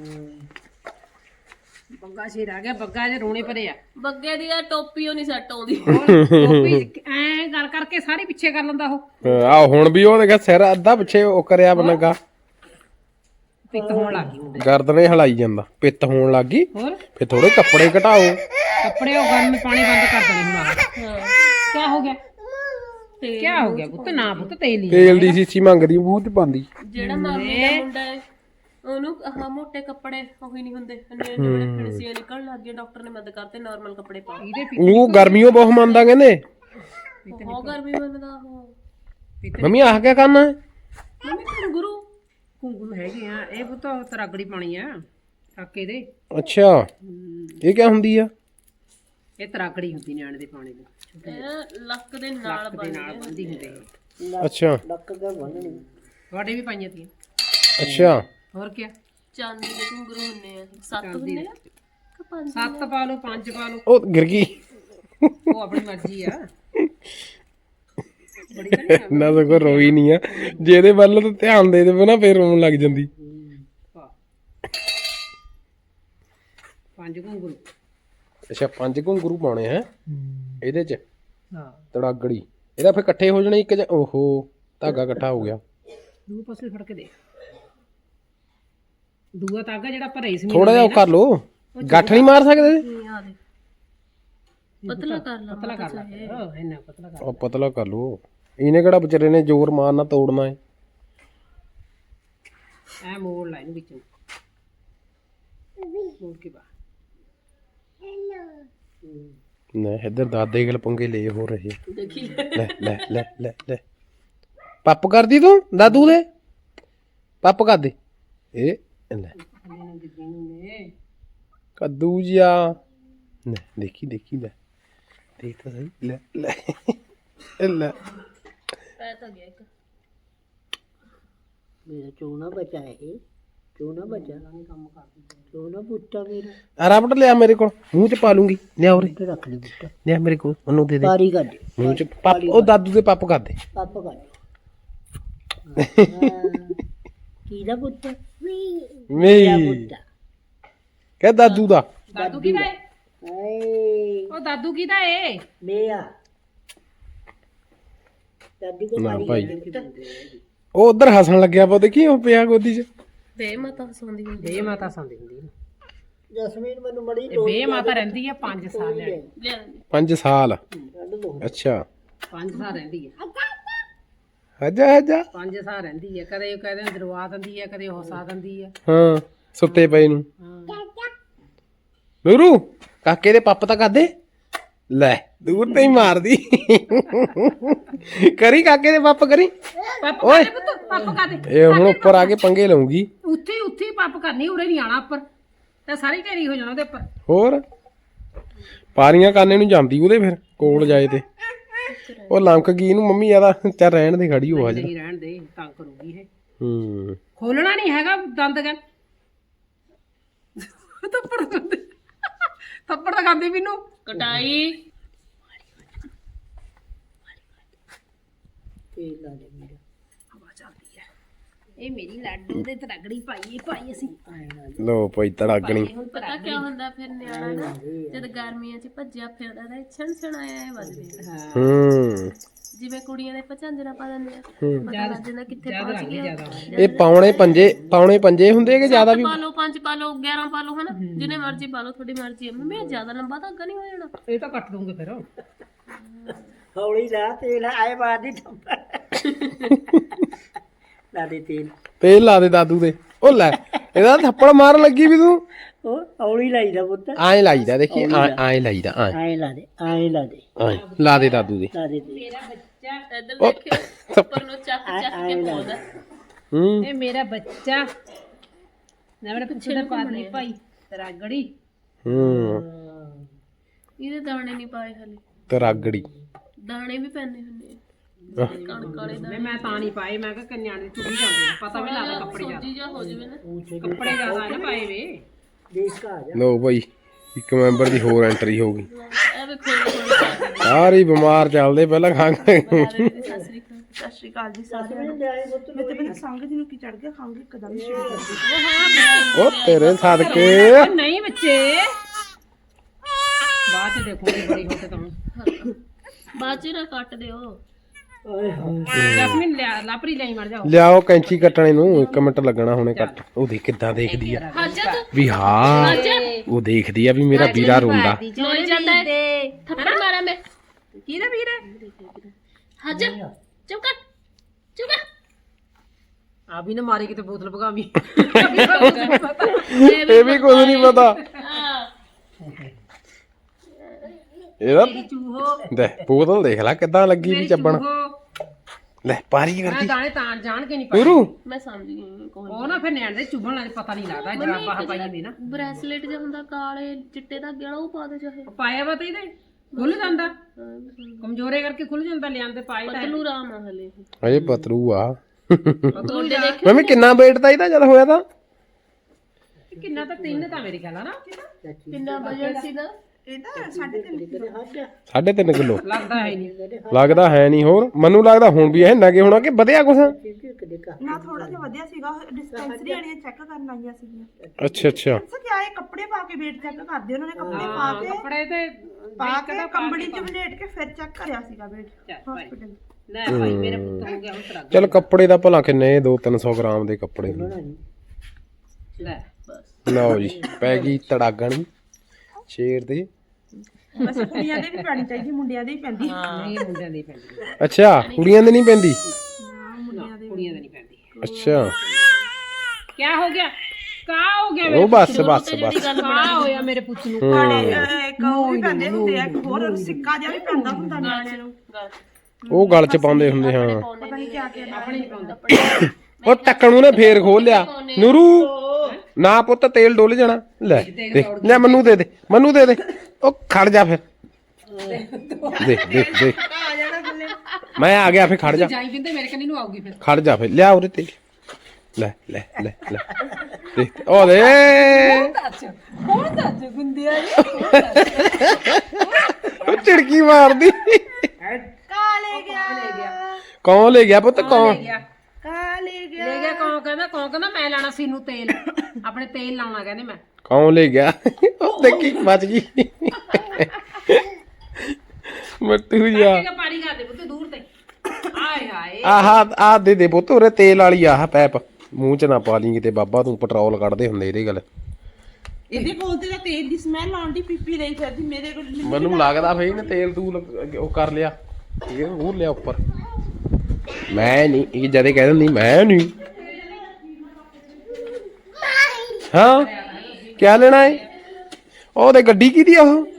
Speaker 2: ਬੱਗਾ ਸ਼ੇਰ ਆ ਗਿਆ, ਬੱਗਾ ਜੇ ਰੋਣੇ ਭਰੇ ਆ।
Speaker 3: ਬੱਗੇ ਦੀ ਆ ਟੋਪੀ ਉਹ ਨਹੀਂ ਸੈੱਟ ਆਉਂਦੀ।
Speaker 2: ਐ ਕਰ ਕਰਕੇ ਸਾਰੇ ਪਿੱਛੇ ਕਰ ਲੈਂਦਾ ਉਹ।
Speaker 1: ਆ ਹੁਣ ਵੀ ਉਹ ਦੇਖਿਆ ਸਿਰ ਅੱਧਾ ਪਿੱਛੇ ਉਹ ਕਰਿਆ ਬਣਾਗਾ,
Speaker 2: ਪਿੱਤ ਹੋਣ ਲੱਗ ਗਈ ਮੁੰਡੇ
Speaker 1: ਗਰਦਨੇ ਹਲਾਈ ਜਾਂਦਾ, ਪਿੱਤ ਹੋਣ ਲੱਗ ਗਈ।
Speaker 2: ਹੋਰ
Speaker 1: ਫੇ ਥੋੜੇ ਕੱਪੜੇ ਘਟਾਓ।
Speaker 2: ਕੱਪੜੇ ਉਹ ਗਰਮ ਪਾਣੀ ਬੰਦ ਕਰ ਦੇਣੇ ਹੁਣ।
Speaker 3: ਹਾਂ
Speaker 2: ਕੀ ਹੋ ਗਿਆ?
Speaker 3: ਤੇ
Speaker 2: ਕੀ ਹੋ ਗਿਆ ਪੁੱਤ? ਨਾ ਪੁੱਤ ਤੇਲ ਹੀ
Speaker 1: ਤੇਲ ਦੀ ਸੀਸੀ ਮੰਗਦੀ, ਮੂੰਹ ਚ ਪਾਉਂਦੀ।
Speaker 3: ਜਿਹੜਾ ਮਾਮੇ ਦਾ ਮੁੰਡਾ ਹੈ ਉਹਨੂੰ ਆਹ ਮੋਟੇ ਕੱਪੜੇ ਉਹੀ ਨਹੀਂ ਹੁੰਦੇ, ਜਿਹੜੇ ਫਿਣਸੀਆਂ ਨਿਕਲਣ ਲੱਗ ਗਏ, ਡਾਕਟਰ ਨੇ ਮਦਦ ਕਰਤੇ ਨਾਰਮਲ ਕੱਪੜੇ ਪਾ।
Speaker 2: ਇਹਦੇ
Speaker 1: ਉਹ ਗਰਮੀਓ ਬਹੁਤ ਮੰਨਦਾ ਕਹਿੰਦੇ।
Speaker 3: ਬਹੁਤ ਗਰਮੀ ਮੰਨਦਾ ਉਹ।
Speaker 1: ਮੰਮੀ ਆਹ ਕਿਆ ਕਰਨਾ ਹੈ?
Speaker 3: ਮੰਮੀ ਗੁਰੂ
Speaker 2: ਘੁੰਗੂ ਹੈਗੇ ਆ ਇਹ ਪੁੱਤ ਤਰਾਗੜੀ ਪਾਣੀ ਆ ਕਾਕੇ ਦੇ।
Speaker 1: ਅੱਛਾ ਇਹ ਕਿਆ ਹੁੰਦੀ ਆ?
Speaker 2: ਇਹ ਤਰਾਗੜੀ ਹੁੰਦੀ ਨਿਆਣੇ ਦੇ ਪਾਣੀ ਦੀ,
Speaker 3: ਇਹ ਲੱਕ ਦੇ ਨਾਲ
Speaker 2: ਦੇ ਨਾਲ ਬੰਦੀ ਹੁੰਦੇ ਇਹ।
Speaker 1: ਅੱਛਾ
Speaker 4: ਲੱਕ ਦਾ ਬੰਨਣੀ
Speaker 2: ਤੁਹਾਡੇ ਵੀ ਪਾਈਆਂ ਤੀਆਂ।
Speaker 1: ਅੱਛਾ
Speaker 2: ਹੋਰ ਕੀ?
Speaker 3: ਚਾਂਦੀ ਦੇ ਘੁੰਗਰੂ ਹੁੰਨੇ ਆ, 7 ਹੁੰਨੇ ਆ ਕਿ 5?
Speaker 2: 7 ਪਾ ਲਓ 5 ਪਾ ਲਓ,
Speaker 1: ਉਹ ਗਿਰ ਗਈ
Speaker 2: ਉਹ ਆਪਣੀ ਮਰਜ਼ੀ ਆ। ਬੜੀ ਤਾਂ ਨਹੀਂ
Speaker 1: ਨਾ ਤਾਂ ਕੋਈ ਰੋਈ ਨਹੀਂ ਆ, ਜੇ ਇਹਦੇ ਵੱਲ ਤਾਂ ਧਿਆਨ ਦੇ ਦੇਵੇ ਨਾ ਫੇਰ ਰੋਣ ਲੱਗ ਜਾਂਦੀ।
Speaker 2: 5 ਘੁੰਗਰੂ।
Speaker 1: ਅੱਛਾ 5 ਘੁੰਗਰੂ ਪਾਉਣੇ ਹੈ ਇਹਦੇ ਚ
Speaker 2: ਹਾਂ
Speaker 1: ਤੜਾਗੜੀ। ਇਹਦਾ ਫੇਰ ਇਕੱਠੇ ਹੋ ਜਾਣੇ ਇੱਕ ਜਾਂ ਓਹੋ ਧਾਗਾ ਇਕੱਠਾ ਹੋ ਗਿਆ।
Speaker 2: ਦੂਏ ਪਾਸੇ ਫੜ ਕੇ ਦੇ। ਦੂਆ ਤਾਗਾ ਜਿਹੜਾ ਭਰੇ ਸੀ
Speaker 1: ਥੋੜਾ ਜਿਹਾ ਉਹ ਕਰ ਲੋ, ਗੱਠ ਨਹੀਂ ਮਾਰ ਸਕਦੇ?
Speaker 3: ਆ ਦੇ ਪਤਲਾ ਕਰ ਲਾ,
Speaker 2: ਪਤਲਾ ਕਰ ਲਾ ਇੰਨਾ ਪਤਲਾ ਕਰ।
Speaker 1: ਉਹ ਪਤਲਾ ਕਰ ਲੋ, ਇਹਨੇ ਕਿਹੜਾ ਵਿਚਾਰੇ ਨੇ ਜ਼ੋਰ ਮਾਰਨਾ ਤੋੜਨਾ ਹੈ।
Speaker 2: ਐ ਮੋੜ ਲੈ ਇਹਨੂੰ ਵਿੱਚੋਂ, ਮੋੜ ਕੇ ਬਾਹਰ।
Speaker 1: ਨਾ ਇੱਧਰ ਦਾਦੇ ਗਲ ਪੰਗੇ ਲੈ ਹੋ ਰਹੇ।
Speaker 3: ਦੇਖੀ
Speaker 1: ਲੈ ਲੈ ਲੈ ਲੈ ਲੈ ਪੱਪ ਕਰਦੀ ਤੂੰ ਦਾਦੂ ਦੇ, ਪੱਪ ਕਰ ਦੇ। ਇਹ ਲੈ ਕੱਦੂ ਜਿਆ, ਲੈ ਦੇਖੀ ਦੇਖੀ, ਲੈ ਦੇਖ ਤਾਂ ਸਹੀ, ਲੈ ਲੈ ਇਹ ਲੈ
Speaker 3: ਪੈ ਤਾਂ ਗਿਆ ਇੱਕ।
Speaker 4: ਮੇਰਾ ਚੋਣਾ ਬਚਾ ਹੈ, ਚੋਣਾ ਬਚਾ ਚੋਣਾ ਬੁੱਟਾ ਮੇਰਾ
Speaker 1: ਆ ਰਬੜ ਲਿਆ ਮੇਰੇ ਕੋਲ, ਮੂੰਹ ਚ ਪਾ ਲੂੰਗੀ। ਲਿਆ ਉਰੇ
Speaker 4: ਤੇ ਰੱਖ ਲਈ ਬੁੱਟਾ,
Speaker 1: ਲਿਆ ਮੇਰੇ ਕੋਲ, ਉਹਨੂੰ ਦੇ ਦੇ
Speaker 4: ਪਾਰੀ ਕੱਢ
Speaker 1: ਮੂੰਹ ਚ ਪੱਪ। ਉਹ ਦਾਦੂ ਦੇ ਪੱਪ ਕਰ ਦੇ।
Speaker 4: ਪੱਪ ਕੱਢ। ਕਿਹਦਾ ਬੁੱਟਾ? ਮੇਰਾ
Speaker 1: ਮੀ
Speaker 4: ਬੁੱਟਾ।
Speaker 1: ਕਹਿ ਦਾਦੂ ਦਾ।
Speaker 2: ਦਾਦੂ ਕਿਹਦਾ ਏ?
Speaker 4: ਹਾਏ
Speaker 2: ਉਹ ਦਾਦੂ ਕਿਹਦਾ ਏ?
Speaker 4: ਮੇਰਾ ਦਾਦੀ ਕੋ
Speaker 1: ਨਾ
Speaker 4: ਮਾਰੀ
Speaker 1: ਭਾਈ
Speaker 4: ਜਾਂਦੀ।
Speaker 1: ਉਹ ਉਧਰ ਹੱਸਣ ਲੱਗਿਆ ਪਾ, ਦੇਖੀ ਉਹ ਪਿਆ ਗੋਦੀ ਚ।
Speaker 3: ਬੇ ਮਾਤਾ ਸੌਂਦੀ ਹੁੰਦੀ।
Speaker 2: ਬੇ ਮਾਤਾ ਸੌਂਦੀ ਹੁੰਦੀ ਨਾ।
Speaker 4: ਜਸਮੀਨ ਮੈਨੂੰ ਬੜੀ
Speaker 2: ਇਹ ਬੇ ਮਾਤਾ ਰਹਿੰਦੀ ਆ 5 ਸਾਲ ਲੈ।
Speaker 3: ਲਿਆ
Speaker 1: 5 ਸਾਲ
Speaker 4: ਕੱਢ ਲੋ।
Speaker 1: ਅੱਛਾ
Speaker 2: 5 ਸਾਲ ਰਹਿੰਦੀ ਆ,
Speaker 1: ਆਜਾ ਆਜਾ।
Speaker 2: 5 ਸਾਲ ਰਹਿੰਦੀ ਆ। ਕਦੇ ਉਹ ਕਹਿੰਦੇ ਦਰਵਾ ਦਿੰਦੀ ਆ, ਕਦੇ ਹੋਸਾ ਦਿੰਦੀ ਆ।
Speaker 1: ਹਾਂ ਸੁੱਤੇ ਪਏ ਨੂੰ। ਨੂਰੂ ਕਾਕੇ ਦੇ ਪੱਪ ਤਾਂ ਕਰਦੇ। ਲੈ ਦੂਰ ਤੇ ਹੀ ਮਾਰਦੀ। ਕਰੀ ਕਾਕੇ ਦੇ ਪੱਪ ਕਰੀ।
Speaker 2: ਪੱਪ
Speaker 1: ਓਏ।
Speaker 2: ਕਰ ਦੇ ਪੁੱਤ, ਪੱਪ ਕਰ ਦੇ।
Speaker 1: ਇਹ ਹੁਣ ਉੱਪਰ ਆ ਕੇ ਪੰਗੇ ਲਊਗੀ।
Speaker 2: ਉੱਥੇ ਉੱਥੇ ਪੱਪ ਕਰਨੀ, ਉਰੇ ਨਹੀਂ ਆਣਾ ਉੱਪਰ, ਤੇ ਸਾਰੀ ਢੇਰੀ ਹੋ ਜਾਣਾ ਉਹਦੇ ਉੱਪਰ।
Speaker 1: ਹੋਰ ਪਾਰੀਆਂ ਕਾਨੇ ਨੂੰ ਜਾਂਦੀ ਉਹਦੇ, ਫਿਰ ਕੋਲ ਜਾਏ ਤੇ ਉਹ ਲੰਕ ਗਈ ਨੂੰ। ਮੰਮੀ ਆਦਾ ਚੱਲ ਰਹਿਣ ਦੇ, ਖੜੀ ਹੋ ਅੱਜ।
Speaker 2: ਨਹੀਂ ਰਹਿਣ ਦੇ, ਤੰਗ ਕਰੂਗੀ ਇਹ।
Speaker 1: ਹੂੰ
Speaker 2: ਖੋਲਣਾ ਨਹੀਂ ਹੈਗਾ ਦੰਦ ਕਹਿ। ਥੱਪੜ ਖਾਂਦੇ, ਥੱਪੜ ਤਾਂ ਖਾਂਦੇ ਮੈਨੂੰ।
Speaker 3: ਕਟਾਈ
Speaker 4: ਤੇਲ ਲਾ ਦੇ ਮੇਰਾ।
Speaker 2: ਹਵਾ ਚੱਲਦੀ ਹੈ। ਇਹ ਮੇਰੀ ਲਾਡੂ ਦੇ ਤੜਗੜੀ ਪਾਈ ਅਸੀਂ।
Speaker 1: ਲੋ ਭਾਈ ਤੜਾਗਣੀ।
Speaker 3: ਹੁਣ ਪਤਾ ਕੀ ਹੁੰਦਾ ਫਿਰ ਨਿਆਣਾ ਨਾ ਜਦ ਗਰਮੀਆਂ 'ਚ ਭੱਜਿਆ ਫਿਰਦਾ ਤਾਂ ਛਣ ਛਣ ਆਇਆ ਵੱਜਦੇ।
Speaker 1: ਹੂੰ
Speaker 3: ਜਿਵੇਂ ਕੁੜੀਆਂ ਦੇ ਪਚਾਂਜਰਾ ਪਾ ਦਿੰਦੇ ਆ,
Speaker 1: ਹੂੰ।
Speaker 3: ਪਤਾ ਲੱਗ ਜਾਂਦਾ ਕਿੱਥੇ ਪਹੁੰਚ ਗਿਆ।
Speaker 1: ਇਹ ਪੌਣੇ ਪੰਜੇ ਹੁੰਦੇ ਕਿ ਜ਼ਿਆਦਾ ਵੀ?
Speaker 3: ਪਾ ਲਓ 5 ਪਾ ਲਓ 11 ਪਾ ਲਓ ਹਨਾ, ਜਿੰਨੇ ਮਰਜ਼ੀ ਪਾ ਲਓ, ਤੁਹਾਡੀ ਮਰਜ਼ੀ ਹੈ। ਮੰਮੀ ਜ਼ਿਆਦਾ ਲੰਬਾ ਧਾਗਾ ਨਹੀਂ ਹੋ ਜਾਣਾ।
Speaker 2: ਇਹ ਤਾਂ ਕੱਟ ਦੂੰਗੇ ਫਿਰ।
Speaker 4: ਹੌਲੀ ਲਾ ਤੇਲ, ਆਏ ਬਾਦੀ ਠੰਬਾ ਲਾ ਦੇ ਤੇਲ।
Speaker 1: ਤੇਲ ਲਾ ਦੇ ਦਾਦੂ ਦੇ। ਉਹ ਲੈ ਇਹਦਾ ਥੱਪੜ ਮਾਰਨ ਲੱਗੀ ਵੀ ਤੂੰ।
Speaker 4: ਉਹ ਹੌਲੀ ਲਾਈਦਾ ਪੁੱਤ,
Speaker 1: ਐਂ ਲਾਈਦਾ, ਦੇਖੀ ਐਂ ਲਾਈਦਾ, ਐਂ
Speaker 4: ਆਏ ਲਾ ਦੇ, ਆਏ ਲਾ ਦੇ,
Speaker 1: ਐਂ ਲਾ ਦੇ ਦਾਦੂ ਦੇ।
Speaker 4: ਲਾ ਦੇ ਤੇਲ।
Speaker 3: ਇੱਧਰ ਦੇਖਿਓ ਉੱਪਰ ਨੂੰ ਚੱਕ ਚੱਕ ਕੇ ਪਾਉਂਦਾ।
Speaker 1: ਹੂੰ
Speaker 2: ਇਹ ਮੇਰਾ ਬੱਚਾ ਨਾ, ਮੇਰਾ ਪਿੱਛੇ ਦਾ ਪਾਦਨੀ ਭਾਈ ਤਰਾਗੜੀ।
Speaker 1: ਹੂੰ
Speaker 3: ਇਹਦੇ ਦਾਣੇ ਨਹੀਂ ਪਾਏ ਹਲੇ,
Speaker 1: ਤਰਾਗੜੀ
Speaker 3: ਦਾਣੇ ਵੀ ਪੈਣੇ ਹੁੰਦੇ ਆ। ਕਣਕ ਵਾਲੇ ਦਾਣੇ
Speaker 2: ਮੈਂ ਤਾਂ ਨਹੀਂ ਪਾਏ, ਮੈਂ ਕਿਹਾ ਕੰਨਿਆਂ ਦੇ ਚੁੱਭੀ ਜਾਂਦੇ ਨੇ, ਪਤਾ ਵੀ ਲੱਗਦਾ ਕੱਪੜੇ
Speaker 3: ਸਬਜ਼ੀ ਜਿਹਾ ਹੋ ਜਾਵੇ ਨਾ।
Speaker 2: ਕੱਪੜੇ ਜ਼ਿਆਦਾ ਨਾ ਪਾਏ ਵੇ।
Speaker 4: ਦੇਖ ਕਾ ਆ ਜਾ।
Speaker 1: ਲੋ ਭਾਈ ਇੱਕ ਮੈਂਬਰ ਦੀ ਹੋਰ ਐਂਟਰੀ ਹੋ ਗਈ।
Speaker 3: ਇਹ ਵੇਖੋ
Speaker 1: ਸਾਰੇ ਬਿਮਾਰ ਚੱਲਦੇ ਪਹਿਲਾਂ ਖੰਘ।
Speaker 3: ਸਤਿ ਸ੍ਰੀ ਅਕਾਲ।
Speaker 5: ਸਤਿ ਸ਼੍ਰੀ ਅਕਾਲ ਜੀ ਸਾਰਿਆਂ ਨੂੰ। ਮੈਂ ਤੇ ਮੈਨੂੰ ਸੰਗ ਜੀ ਨੂੰ ਕੀ ਚੜ ਗਿਆ, ਖੰਗ ਇੱਕਦਮ ਹੀ ਸ਼ੁਰੂ ਕਰ ਦਿੱਤੀ।
Speaker 1: ਉਹ ਤੇਰੇ ਸਦਕੇ
Speaker 2: ਉਹ ਨਹੀਂ ਬੱਚੇ, ਬਾਅਦ ਚ ਦੇਖੋਗੇ ਬੜੀ ਹੋ ਕੇ ਤੁਹਾਨੂੰ।
Speaker 3: ਬਾਅਦ ਚ ਨਾ ਕੱਟ ਦਿਓ।
Speaker 2: ਜਸਮੀਨ ਲਿਆ ਲਾਪਰੀ ਲਈ ਮਰ ਜਾਓ।
Speaker 1: ਲਿਆਓ ਕੈਂਚੀ ਕੱਟਣੇ ਨੂੰ 1 ਮਿੰਟ ਲੱਗਣਾ ਹੁਣੇ ਕੱਟ। ਉਹ ਦੇਖ ਕਿੱਦਾਂ ਦੇਖਦੀ ਆ
Speaker 3: ਹਾਜਾ
Speaker 1: ਵੀ ਹਾਂ, ਉਹ ਦੇਖਦੀ ਆ ਵੀ ਮੇਰਾ ਵੀਰਾ ਰੋਂਦਾ।
Speaker 3: ਲੋਈ ਜਾਂਦਾ ਹੈ, ਥੱਪੜ ਮਾਰਾਂ ਮੈਂ।
Speaker 2: ਕਿਹਦਾ ਵੀਰ ਹੈ?
Speaker 3: ਹਾਜਾ ਚੁੱਪ ਕਰ, ਚੁੱਪ ਕਰ।
Speaker 2: ਆ ਵੀ ਨਾ ਮਾਰੇ ਕਿਤੇ ਬੋਤਲ ਭਗਾਵੀਂ।
Speaker 1: ਇਹ ਵੀ ਕੁਝ ਨਹੀਂ ਪਤਾ
Speaker 3: ਹਾਂ
Speaker 1: ਇਹਦਾ।
Speaker 2: ਚੂਹੋ
Speaker 1: ਦੇ ਬੋਤਲ ਦੇਖ ਲੈ ਕਿੱਦਾਂ ਲੱਗੀ ਵੀ ਚੱਬਣ। ਲੈ ਪਾਰੀ
Speaker 2: ਮੈਂ
Speaker 1: ਕਰਦੀ
Speaker 2: ਦਾਣੇ ਤਾਂ ਜਾਣ ਕੇ ਨਹੀਂ ਪਾਏ।
Speaker 1: ਗੁਰੂ
Speaker 3: ਮੈਂ ਸਮਝ ਗਈ ਕੋਈ
Speaker 2: ਉਹ ਨਾ ਫਿਰ ਨਿਆਣੇ ਦੇ ਚੁਭਣ ਲੱਗੇ, ਪਤਾ ਨਹੀਂ ਲੱਗਦਾ ਜਰਾਬਾਂ ਪਾਈ ਹੁੰਦੀ ਨਾ।
Speaker 3: ਬ੍ਰੈਸਲੇਟ ਜਿਹਾ ਹੁੰਦਾ ਕਾਲੇ ਚਿੱਟੇ ਧਾਗੇ ਵਾਲਾ, ਉਹ ਪਾ ਦੇ ਚਾਹੇ।
Speaker 2: ਪਾਇਆ ਵਾ ਤਾਂ ਇਹਦੇ ਖੁੱਲ ਜਾਂਦਾ, ਕਮਜ਼ੋਰੇ ਕਰਕੇ ਖੁੱਲ ਜਾਂਦਾ। ਲਿਆਂਦੇ ਪਾਏ ਤਾਂ
Speaker 3: ਪਤਲੂ ਰਾਮ ਆ ਹਲੇ।
Speaker 1: ਅਜੇ ਪਤਰੂ ਆ।
Speaker 3: ਗੋਡੇ ਦੇਖ
Speaker 1: ਮੰਮੀ ਕਿੰਨਾ weight ਤਾਂ ਇਹਦਾ ਜਦ ਹੋਇਆ ਤਾਂ?
Speaker 2: ਕਿੰਨਾ ਤਾਂ 3 ਤਾਂ ਮੇਰੀ ਗੱਲ ਆ ਨਾ।
Speaker 3: ਕਿੰਨਾ ਵਜਨ ਸੀ ਨਾ?
Speaker 5: ਇਹਦਾ 3.5 ਕਿਲੋ
Speaker 1: 3.5 ਕਿਲੋ
Speaker 2: ਲੱਗਦਾ ਹੈ ਨਹੀਂ।
Speaker 1: ਲੱਗਦਾ ਹੈ ਨਹੀਂ। ਹੋਰ ਮੈਨੂੰ ਲੱਗਦਾ ਹੁਣ ਵੀ ਇਹ ਨਗੇ ਹੋਣਾ ਕਿ ਵਧਿਆ ਕੁਛ।
Speaker 5: ਨਾ ਥੋੜਾ ਜਿਹਾ ਵਧਿਆ ਸੀਗਾ। ਡਿਸਪੈਂਸਰੀ ਵਾਲੀਆਂ ਚੈੱਕ ਕਰਨ ਆਈਆਂ ਸੀਗੀਆਂ।
Speaker 1: ਅੱਛਾ ਅੱਛਾ।
Speaker 5: ਸਰ ਕਿਆ ਇਹ ਕੱਪੜੇ ਪਾ ਕੇ weight ਚੈੱਕ ਕਰਦੇ ਉਹਨਾਂ ਨੇ, ਕੱਪੜੇ ਪਾ ਕੇ
Speaker 2: ਕੱਪੜੇ ਤੇ
Speaker 5: ਕੰਬੜੀ ਚ ਵਲੇਟ ਕੇ ਫਿਰ ਚੈੱਕ ਕਰਿਆ ਸੀਗਾ weight ਹਸਪੀਟਲ।
Speaker 2: ਲੈ ਭਾਈ ਮੇਰੇ ਪੁੱਤ ਹੋ ਗਿਆ ਹੁਣ ਤਰਾ।
Speaker 1: ਚਲ ਕੱਪੜੇ ਦਾ ਭਲਾ ਕਿੰਨੇ 200-300 ਗ੍ਰਾਮ ਦੇ ਕੱਪੜੇ।
Speaker 2: ਲੈ
Speaker 1: ਲਓ ਜੀ ਪੈ ਗਈ ਤੜਾਗਣ ਸ਼ੇਰ ਦੇ।
Speaker 5: ਬਸ ਕੁੜੀਆਂ ਦੇ ਵੀ ਪੈਣੀ ਚਾਹੀਦੀ, ਮੁੰਡਿਆਂ ਦੇ ਹੀ ਪੈਂਦੀ।
Speaker 2: ਨਹੀਂ ਮੁੰਡਿਆਂ ਦੀ ਪੈਂਦੀ,
Speaker 1: ਅੱਛਾ ਕੁੜੀਆਂ ਦੇ ਨਹੀਂ ਪੈਂਦੀ।
Speaker 2: ਕੁੜੀਆਂ ਦੀ ਨਹੀਂ ਪੈਂਦੀ।
Speaker 1: ਅੱਛਾ
Speaker 2: ਕੀ ਹੋ ਗਿਆ? ਕਾ ਹੋ ਗਿਆ?
Speaker 1: ਉਹ ਬਸ ਬਸ ਬਸ।
Speaker 2: ਕਾ ਹੋਇਆ ਮੇਰੇ ਪੁੱਤ ਨੂੰ?
Speaker 5: ਇੱਕ ਉਹ ਵੀ ਪੈਂਦੇ ਹੁੰਦੇ ਆ, ਇੱਕ ਹੋਰ ਸਿੱਕਾ ਜਿਹਾ ਵੀ ਪੈਂਦਾ ਹੁੰਦਾ ਨਿਆਣਿਆਂ ਨੂੰ।
Speaker 1: ਉਹ ਗਲ ਚ ਪਾਉਂਦੇ ਹੁੰਦੇ ਹਾਂ।
Speaker 5: ਪਤਾ ਨਹੀਂ ਕਿਆ ਕਿਆ
Speaker 2: ਆਪਣੇ ਨਹੀਂ ਪਾਉਂਦਾ।
Speaker 1: ਉਹ ਟੱਕਣ ਨੂੰ ਨੇ ਫੇਰ ਖੋਲ ਲਿਆ। ਨੂਰੂ ਨਾ ਪੁੱਤ ਤੇਲ ਡੁੱਲ ਜਾਣਾ। ਲੈ ਦੇਖ ਲੈ ਮੈਨੂੰ ਦੇ ਦੇ, ਮੈਨੂੰ ਦੇ ਦੇ। ਉਹ ਖੜ ਜਾ ਫਿਰ। ਦੇਖ ਦੇਖ ਦੇਖ ਮੈਂ ਆ ਗਿਆ। ਫਿਰ ਖੜ ਜਾ,
Speaker 2: ਜਾਈ ਬਿੰਦੇ ਮੇਰੇ ਕੰਨੀ ਨੂੰ ਆਊਗੀ ਫਿਰ।
Speaker 1: ਖੜ ਜਾ ਫਿਰ। ਲਿਆ ਉਰੇ ਤੇਲ। ਲੈ ਲੈ ਲੈ ਲੈ ਦੇਖ ਉਹ ਦੇ।
Speaker 2: ਕੌਣ ਦੱਸ ਗੁੰਦਿਆ
Speaker 1: ਉਹ ਝਿੜਕੀ ਮਾਰਦੀ।
Speaker 5: ਕਾਲੇ ਗਿਆ
Speaker 1: ਕੌਣ ਲੈ ਗਿਆ ਪੁੱਤ? ਕੌਣ
Speaker 5: ਕਾਲੇ ਗਿਆ
Speaker 2: ਲੈ ਗਿਆ? ਕੌਣ ਕਹਿੰਦਾ ਮੈਂ ਲਾਣਾ ਸੀ ਨੂੰ ਤੇਲ, ਆਪਣੇ ਤੇਲ ਲਾਉਣਾ ਕਹਿੰਦੇ ਮੈਂ।
Speaker 1: ਕੌਣ ਲੈ ਗਿਆ? ਉਹ ਦੇਖੀ ਬਚ ਗਈ ਮੱਟੂ ਜਾ।
Speaker 2: ਕਿ ਪਾਣੀ ਖਾ ਦੇ ਪੁੱਤ ਦੂਰ ਤੇ। ਆਏ ਹਾਏ
Speaker 1: ਆਹ ਦੇ ਦੇ ਪੁੱਤ ਉਰੇ ਤੇਲ ਵਾਲੀ ਆਹ ਪੈਪ ਮੂੰਹ ਚ ਨਾ ਪਾ ਲਈ ਕਿਤੇ ਬਾਬਾ ਤੂੰ ਪੈਟਰੋਲ ਕੱਢਦੇ ਹੁੰਦੇ ਇਹਦੇ ਗੱਲ।
Speaker 5: ਇਹਦੇ ਕੋਲ ਤੇ ਤਾਂ ਤੇਲ ਦੀ ਸਮੈਲ ਆਉਂਦੀ, ਪੀਪੀ ਰਹੀ ਫਿਰਦੀ ਮੇਰੇ ਕੋਲ।
Speaker 1: ਮੈਨੂੰ ਲੱਗਦਾ ਫੇ ਇਹਨੇ ਤੇਲ ਤੂਲ ਉਹ ਕਰ ਲਿਆ, ਇਹ ਹੋਰ ਲਿਆ ਉੱਪਰ। ਮੈਂ ਨਹੀਂ ਇਹ ਜਦੇ ਕਹਿ ਦਿੰਦੀ ਮੈਂ ਨਹੀਂ। ਹਾਂ ਕਿਆ ਲੈਣਾ ਹੈ? ਉਹ ਤੇ ਗੱਡੀ ਕਿਹਦੀ ਆ? ਉਹ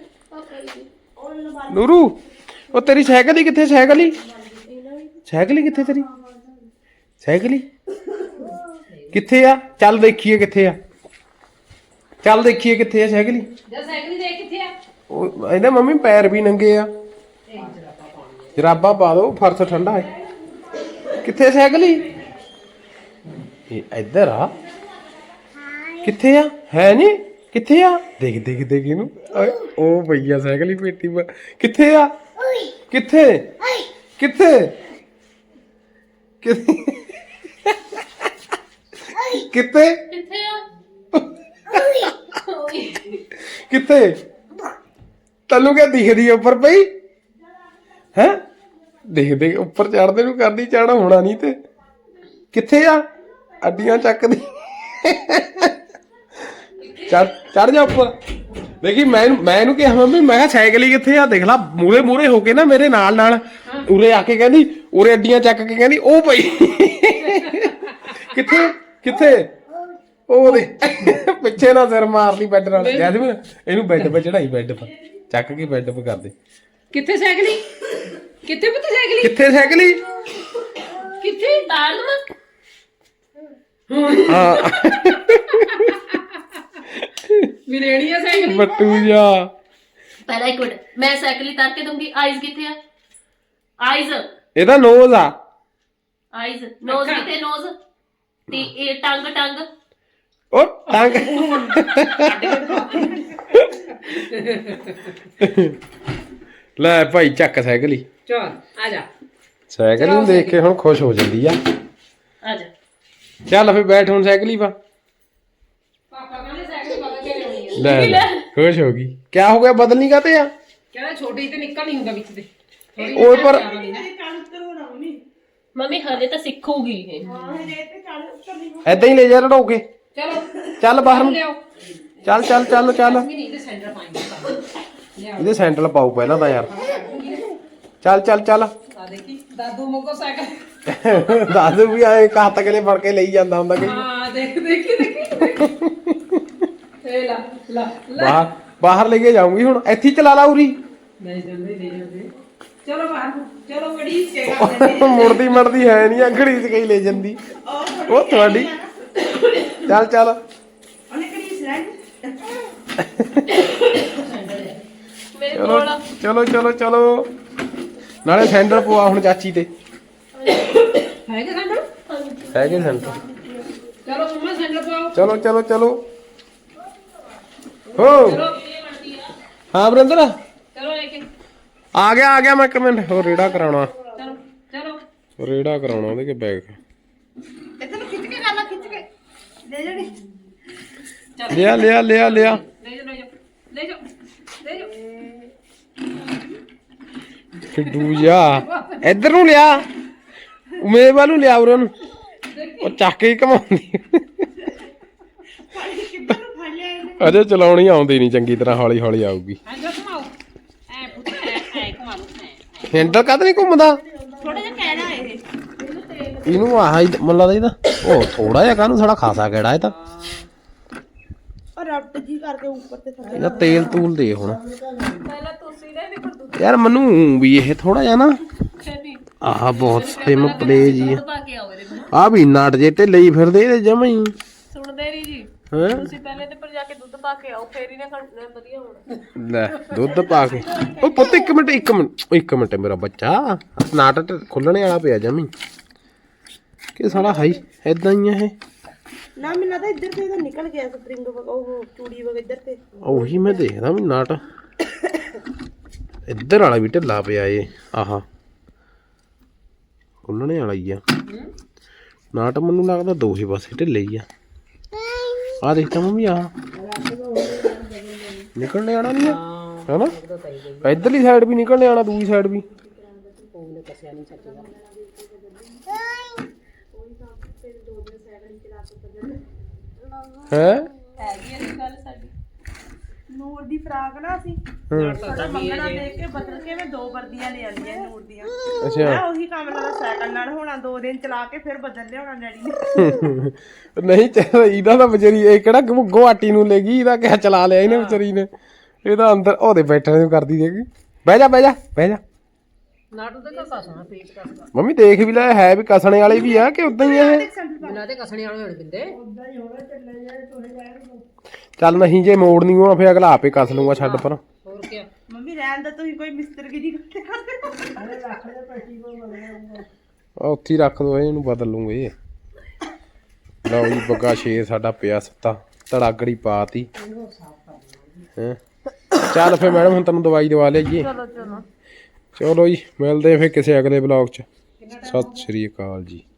Speaker 1: ਨੂਰੂ ਉਹ ਤੇਰੀ ਸਾਈਕਲ ਹੀ ਕਿੱਥੇ? ਸਾਈਕਲ ਹੀ ਕਿੱਥੇ ਤੇਰੀ? ਸਾਈਕਲ ਹੀ ਕਿੱਥੇ ਆ? ਚੱਲ ਦੇਖੀਏ ਕਿੱਥੇ ਆ। ਚੱਲ ਦੇਖੀਏ ਕਿੱਥੇ ਆ ਸਾਈਕਲ ਹੀ।
Speaker 2: ਸਾਈਕਲ ਦੇਖ ਕਿੱਥੇ ਆ?
Speaker 1: ਉਹ ਇਹਦੇ ਮੰਮੀ ਪੈਰ ਵੀ ਨੰਗੇ ਆ। ਜਰਾਬਾਂ ਪਾ ਦੋ, ਫਰਸ਼ ਠੰਡਾ ਹੈ। ਕਿੱਥੇ ਸਾਈਕਲ ਹੀ? ਇਹ ਇੱਧਰ ਆ। ਕਿੱਥੇ ਆ? ਹੈ ਨਹੀਂ ਕਿੱਥੇ ਆ? ਦੇਖ ਦੇਖ ਦੇਖ ਇਹਨੂੰ। ਓਏ ਉਹ ਭਈਆ ਸਾਈਕਲ ਹੀ ਪੇਟੀ ਕਿੱਥੇ ਆ? ਕਿੱਥੇ ਕਿੱਥੇ ਕਿੱਥੇ ਕਿੱਥੇ
Speaker 3: ਕਿੱਥੇ ਆ?
Speaker 1: ਕਿੱਥੇ? ਤੈਨੂੰ ਕਿਆ ਦਿਖਦੀ ਆ ਉੱਪਰ ਪਈ ਹੈ? ਦੇਖ ਦੇਖ ਉੱਪਰ ਚੜਦੇ ਨੂੰ ਕਰਦੀ, ਚੜ੍ਹ ਹੋਣਾ ਨਹੀਂ ਤੇ। ਕਿੱਥੇ ਆ? ਅੱਡੀਆਂ ਚੱਕਦੀ। ਚੜ ਜਾ ਉੱਪਰ। ਦੇਖੀ ਮੈਂ ਇਹਨੂੰ ਕਿਹਾ ਮੰਮੀ, ਮੈਂ ਕਿਹਾ ਸਾਈਕਲ ਹੀ ਕਿੱਥੇ ਆ? ਦੇਖ ਲਾ ਮੂਰੇ ਮੂਰੇ ਹੋ ਕੇ ਨਾ ਮੇਰੇ ਨਾਲ ਨਾਲ ਉਰੇ ਆ ਕੇ ਕਹਿੰਦੀ, ਉਰੇ ਅੱਡੀਆਂ ਚੱਕ ਕੇ ਕਹਿੰਦੀ ਉਹ ਪਈ। ਕਿੱਥੇ ਕਿੱਥੇ? ਉਹ ਦੇ ਪਿੱਛੇ ਨਾ ਸਿਰ ਮਾਰ ਲਈ ਬੈੱਡ ਨਾਲ। ਜੈਸਮੀਨ ਇਹਨੂੰ ਬੈੱਡ 'ਤੇ ਚੜਾਈ, ਬੈੱਡ 'ਤੇ ਚੱਕ ਕੇ ਬੈੱਡ 'ਤੇ ਕਰ ਦੇ।
Speaker 2: ਕਿੱਥੇ ਸਾਈਕਲੀ? ਕਿੱਥੇ ਪੁੱਤ ਸਾਈਕਲੀ?
Speaker 1: ਕਿੱਥੇ ਸਾਈਕਲੀ?
Speaker 3: ਕਿੱਥੇ ਤਾਰ ਦਮਾ?
Speaker 1: ਹਾਂ
Speaker 2: ਮਿਲੇਣੀ ਆ ਸਾਈਕਲੀ।
Speaker 1: ਬੱਟੂ ਜਾ।
Speaker 3: ਪਹਿਲਾਂ ਇੱਕ ਮਿੰਟ, ਮੈਂ ਸਾਈਕਲ ਹੀ ਤਾਰ ਕੇ ਦੂੰਗੀ। ਆਈਜ਼ ਕਿੱਥੇ ਆ? ਆਈਜ਼
Speaker 1: ਇਹਦਾ ਨੋਜ਼ ਆ।
Speaker 3: ਆਈਜ਼ ਨੋਜ਼ ਕਿੱਥੇ? ਨੋਜ਼ ਤੇ ਇਹ ਟੰਗ
Speaker 1: ਉਹ ਟੰਗ। ਲੈ ਭਾਈ ਚੱਕ ਸਾਈਕਲ ਹੀ।
Speaker 2: ਚਲ ਆ ਜਾ।
Speaker 1: ਸਾਈਕਲ ਨੂੰ ਦੇਖ ਕੇ ਹੁਣ ਖੁਸ਼ ਹੋ ਜਾਂਦੀ ਆ।
Speaker 3: ਆ ਜਾ
Speaker 1: ਚੱਲ ਫਿਰ ਬੈਠ ਹੁਣ ਸਾਈਕਲ ਹੀ ਪਾ।
Speaker 2: ਪਾਪਾ ਕਹਿੰਦੇ ਸਾਈਕਲ ਬਦਲ ਕੇ ਲਿਆਉਣੀ ਆ।
Speaker 1: ਲੈ ਖੁਸ਼ ਹੋ ਗਈ। ਕਿਆ ਹੋ ਗਿਆ ਬਦਲਣੀ ਕਾਤੇ ਆ?
Speaker 2: ਕਹਿੰਦਾ ਛੋਟੀ ਤੇ ਨਿਕਲ ਨਹੀਂ ਹੁੰਦਾ ਵਿੱਚ ਦੇ
Speaker 1: ਓਏ ਪਰ
Speaker 3: ਮੰਮੀ ਹਲੇ ਤਾਂ ਸਿੱਖੂਗੀ ਇਹ
Speaker 1: ਐਦਾਂ ਹੀ ਲੈ ਜਾ ਲੜੋ ਕੇ।
Speaker 2: ਚਲੋ
Speaker 1: ਚੱਲ ਬਾਹਰ ਨੂੰ
Speaker 2: ਲਿਆਓ
Speaker 1: ਚੱਲ ਚੱਲ ਚੱਲ ਚੱਲ।
Speaker 2: ਨਹੀਂ ਇਹਦੇ ਸੈਂਟਰ ਪਾਏਂਗੇ
Speaker 1: ਇਹਦੇ ਸੈਂਟਲ ਪਾਉ ਪਹਿਲਾਂ ਤਾਂ ਯਾਰ। ਚੱਲ ਚੱਲ ਚੱਲ।
Speaker 2: ਆ ਦੇਖੀ ਦਾਦੂ ਮੋਕੋ ਸਾਈਕਲ
Speaker 1: ਦਾਦੂ ਵੀ ਆਏ ਕੱਤ ਕਲੇ ਫੜ ਕੇ ਲਈ ਜਾਂਦਾ ਹੁੰਦਾ ਕਿ
Speaker 2: ਹਾਂ ਦੇਖੀ ਇਹ ਲਾ
Speaker 1: ਬਾਹਰ ਬਾਹਰ ਲੈ ਕੇ ਜਾਊਂਗੀ ਹੁਣ। ਇੱਥੇ ਹੀ ਚਲਾ ਲਾ ਉਰੀ।
Speaker 2: ਲੈ ਜਾਂਦੇ ਚਲੋ ਬਾਹਰ ਚਲੋ ਬੜੀ ਸੇਵਾ
Speaker 1: ਮੁੜਦੀ ਮੜਦੀ ਹੈ ਨਹੀਂ ਅੰਗੜੀ ਚ ਕਈ ਲੈ ਜਾਂਦੀ ਉਹ ਤੁਹਾਡੀ। ਚੱਲ ਚੱਲ
Speaker 5: ਉਹਨੇ ਕਿਹੜੀ ਸਲਾਈ
Speaker 3: ਮੇਰੇ
Speaker 1: ਚਲੋ
Speaker 3: ਕੋਲ
Speaker 1: ਚਲੋ ਚਲੋ ਚਲੋ। ਨਾਲੇ ਸੈਂਡਲ ਪਵਾ ਹੁਣ ਚਾਚੀ ਤੇ।
Speaker 2: ਹੈਗੇ ਸੈਂਟਰ
Speaker 1: ਹੈਗੇ ਸੈਂਡਲ।
Speaker 2: ਚਲੋ ਮੰਮਾ ਸੈਂਟਰ ਪਾਓ
Speaker 1: ਚਲੋ ਚਲੋ ਚਲੋ। ਹੋ ਹਾਂ ਬਰਿੰਦਰ
Speaker 2: ਚਲੋ ਲੈ ਕੇ
Speaker 1: ਆ ਗਿਆ ਮੈਂ ਇੱਕ ਮਿੰਟ ਹੋਰ ਰੇੜਾ ਕਰਾਉਣਾ।
Speaker 2: ਚਲੋ
Speaker 1: ਰੇੜਾ ਕਰਾਉਣਾ ਉਹਦੇ ਕੇ ਬੈਗ।
Speaker 5: ਇੱਧਰ ਨੂੰ ਖਿੱਚ ਕੇ ਕਰ ਲਾ ਖਿੱਚ ਕੇ ਲੈ ਜਣੀ
Speaker 1: ਲਿਆ ਲਿਆ ਲਿਆ ਲਿਆ।
Speaker 2: ਲੈ ਜਾਓ
Speaker 1: ਫਿੱਡੂ ਜਾ ਇੱਧਰ ਨੂੰ ਲਿਆ। ਮੇਰੇ ਵੱਲ ਨੂੰ ਲਿਆ ਉਰੇ ਨੂੰ। ਉਹ ਚੱਕ ਕੇ ਹੀ ਘਮਾਉਂਦੀ।
Speaker 5: ਕਿੱਧਰ ਨੂੰ ਫੜ ਲਿਆ ਇਹਨੇ
Speaker 1: ਅਜੇ ਚਲਾਉਣੀ ਆਉਂਦੀ ਨਹੀਂ ਚੰਗੀ ਤਰ੍ਹਾਂ। ਹੌਲੀ ਹੌਲੀ ਆਊਗੀ।
Speaker 2: ਐਂ ਘੁਮਾਓ ਐ ਪੁੱਤ ਐ ਘੁਮਾ ਲਓ
Speaker 1: ਹੈਂਡਲ ਕਦ ਨਹੀਂ ਘੁੰਮਦਾ
Speaker 5: ਥੋੜਾ ਜਿਹਾ ਕਹਿਣਾ ਇਹ
Speaker 1: ਇਹਨੂੰ। ਆਹ ਮੱਲਾ ਦਾ ਇਹਦਾ ਉਹ ਥੋੜਾ ਜਿਹਾ ਕਾਹਨੂੰ ਸਾਡਾ ਖਾਸਾ ਕਿਹੜਾ ਇਹ ਤਾਂ।
Speaker 5: ਔਰ ਰਬਟ ਜੀ ਕਰਕੇ ਉੱਪਰ ਤੇ ਥੱਲੇ
Speaker 1: ਇਹਦਾ ਤੇਲ ਤੂਲ ਦੇ ਹੁਣ
Speaker 3: ਪਹਿਲਾਂ ਤੁਸੀਂ ਦੇ ਵੀ
Speaker 1: ਯਾਰ। ਮੈਨੂੰ ਵੀ ਇਹ ਥੋੜਾ ਜਿਹਾ ਨਾ
Speaker 3: ਛੇਤੀ
Speaker 1: ਆਹ ਬਹੁਤ ਸਿਮ ਪਲੇ ਜੀ
Speaker 3: ਦੁੱਧ ਪਾ ਕੇ ਆਓ ਇਹਦੇ ਵਿੱਚ।
Speaker 1: ਆ ਵੀ ਨਾਟ ਜੇ ਢਿੱਲੇ ਹੀ ਫਿਰਦੇ ਇਹਦੇ ਜਮਾ ਹੀ।
Speaker 3: ਸੁਣਦੇ ਨਹੀਂ ਜੀ
Speaker 1: ਹੈਂ
Speaker 3: ਤੁਸੀਂ ਪਹਿਲੇ ਤੇ ਪਰ ਜਾ ਕੇ ਦੁੱਧ ਪਾ ਕੇ ਆਓ ਫੇਰ ਹੀ ਨਾ ਵਧੀਆ ਹੋਣਾ।
Speaker 1: ਲੈ ਦੁੱਧ ਪਾ ਕੇ। ਉਹ ਪੁੱਤ ਇੱਕ ਮਿੰਟ ਮੇਰਾ ਬੱਚਾ ਨਾਟ ਖੁੱਲਣੇ ਵਾਲਾ ਪਿਆ ਜਮੀ ਕਿ ਸਾਲਾ ਹਾਈ ਏਦਾਂ ਹੀ ਆ ਇਹ।
Speaker 5: ਨਾ ਮੈਨੂੰ ਤਾਂ ਇੱਧਰ ਤੇ ਇਹਦਾ ਨਿਕਲ ਗਿਆ ਸਪਰਿੰਗ ਉਹ ਚੂੜੀ ਵਗ ਇੱਧਰ ਤੇ
Speaker 1: ਉਹੀ ਮੈਂ ਦੇਖਦਾ ਵੀ ਨਾਟ ਇੱਧਰ ਵਾਲਾ ਵੀ ਢਿੱਲਾ ਪਿਆ ਏ। ਆਹਾ ਖੁੱਲਣੇ ਵਾਲਾ ਹੀ ਆ ਨਾਟ। ਮੈਨੂੰ ਲੱਗਦਾ ਦੋਹੇ ਪਾਸੇ ਢਿੱਲੇ ਹੀ ਆ। ਆ ਦੇਖਤਾ ਮੰਮੀ ਆ ਨਿਕਲਣੇ ਆਣਾ ਨਹੀਂ ਹੈਨਾ। ਇੱਧਰਲੀ ਸਾਈਡ ਵੀ ਨਿਕਲਣੇ ਆਣਾ ਦੂਜੀ ਸਾਈਡ ਵੀ। ਹੈ
Speaker 3: ਹੈਗੀ ਇਹ ਗੱਲ ਸਾਡੀ।
Speaker 5: ਨੂਰ ਦੀ ਫਰਾਕ ਨਾ ਅਸੀਂ ਸਾਡਾ ਮੰਗਣਾ ਦੇਖ ਕੇ ਬਦਲ ਕੇ ਮੈਂ 2 ਵਰਦੀਆਂ ਲੈ ਆਂਦੀਆਂ ਨੂਰ ਦੀਆਂ।
Speaker 1: ਅੱਛਾ
Speaker 5: ਮੈਂ ਉਹੀ ਕੰਮ ਨਾਲ ਸਾਈਕਲ ਨਾਲ ਹੋਣਾ 2 ਦਿਨ ਚਲਾ ਕੇ ਫਿਰ ਬਦਲ ਲਿਆਉਣਾ ਡੈਡੀ ਨੇ।
Speaker 1: ਨਹੀਂ ਚੱਲ ਇਹਦਾ ਤਾਂ ਵਿਚਾਰੀ ਇਹ ਕਿਹੜਾ ਗੁਆਟੀ ਨੂੰ ਲੈ ਗਈ। ਇਹਦਾ ਕਿਆ ਚਲਾ ਲਿਆ ਇਹਨੇ ਵਿਚਾਰੀ ਨੇ। ਇਹਦਾ ਅੰਦਰ ਉਹਦੇ ਬੈਠਣ ਨੂੰ ਕਰਦੀ ਦੇਗੀ। ਬਹਿ ਜਾ ਬਹਿ ਜਾ ਬਹਿ ਜਾ।
Speaker 2: ਨਾਟੂ ਤੇ ਕਸਣਾ ਪੇਚ ਕਸਦਾ
Speaker 1: ਮੰਮੀ ਦੇਖ ਵੀ ਲੈ ਹੈ ਵੀ ਕਸਣੇ ਵਾਲੇ ਵੀ ਆ ਕਿ ਉਦਾਂ ਹੀ ਆ ਇਹ।
Speaker 2: ਬਿਨਾਂ ਤੇ ਕਸਣੇ ਵਾਲੇ ਹੋਣ ਦਿੰਦੇ
Speaker 1: ਚੱਲ ਨਹੀਂ ਜੇ ਮੋੜਨੀ ਹੋਣਾ ਫਿਰ ਅਗਲਾ ਆਪੇ ਕਸ ਲੂੰਗਾ। ਛੱਡ ਪਰ
Speaker 2: ਹੋਰ ਕੀ
Speaker 5: ਮੰਮੀ ਰਹਿਣ ਦਾ ਤੁਸੀਂ ਕੋਈ ਮਿਸਤਰਗੀ ਦੀ ਕਰਦੇ
Speaker 1: ਉੱਥੇ ਹੀ ਰੱਖ ਦੋ ਇਹਨੂੰ ਬਦਲ ਲੂੰਗੇ। ਲਓ ਜੀ ਬੱਗਾ ਸ਼ੇਰ ਸਾਡਾ ਪਿਆ ਸੁੱਤਾ ਧੜਾਗੜੀ ਪਾਤੀ ਹੈ। ਚੱਲ ਫਿਰ ਮੈਡਮ ਹੁਣ ਤੈਨੂੰ ਦਵਾਈ ਦਵਾ ਲਿਆਈਏ। ਚਲੋ ਜੀ ਮਿਲਦੇ ਫਿਰ ਕਿਸੇ ਅਗਲੇ ਬਲੌਗ 'ਚ। ਸਤਿ ਸ਼੍ਰੀ ਅਕਾਲ ਜੀ।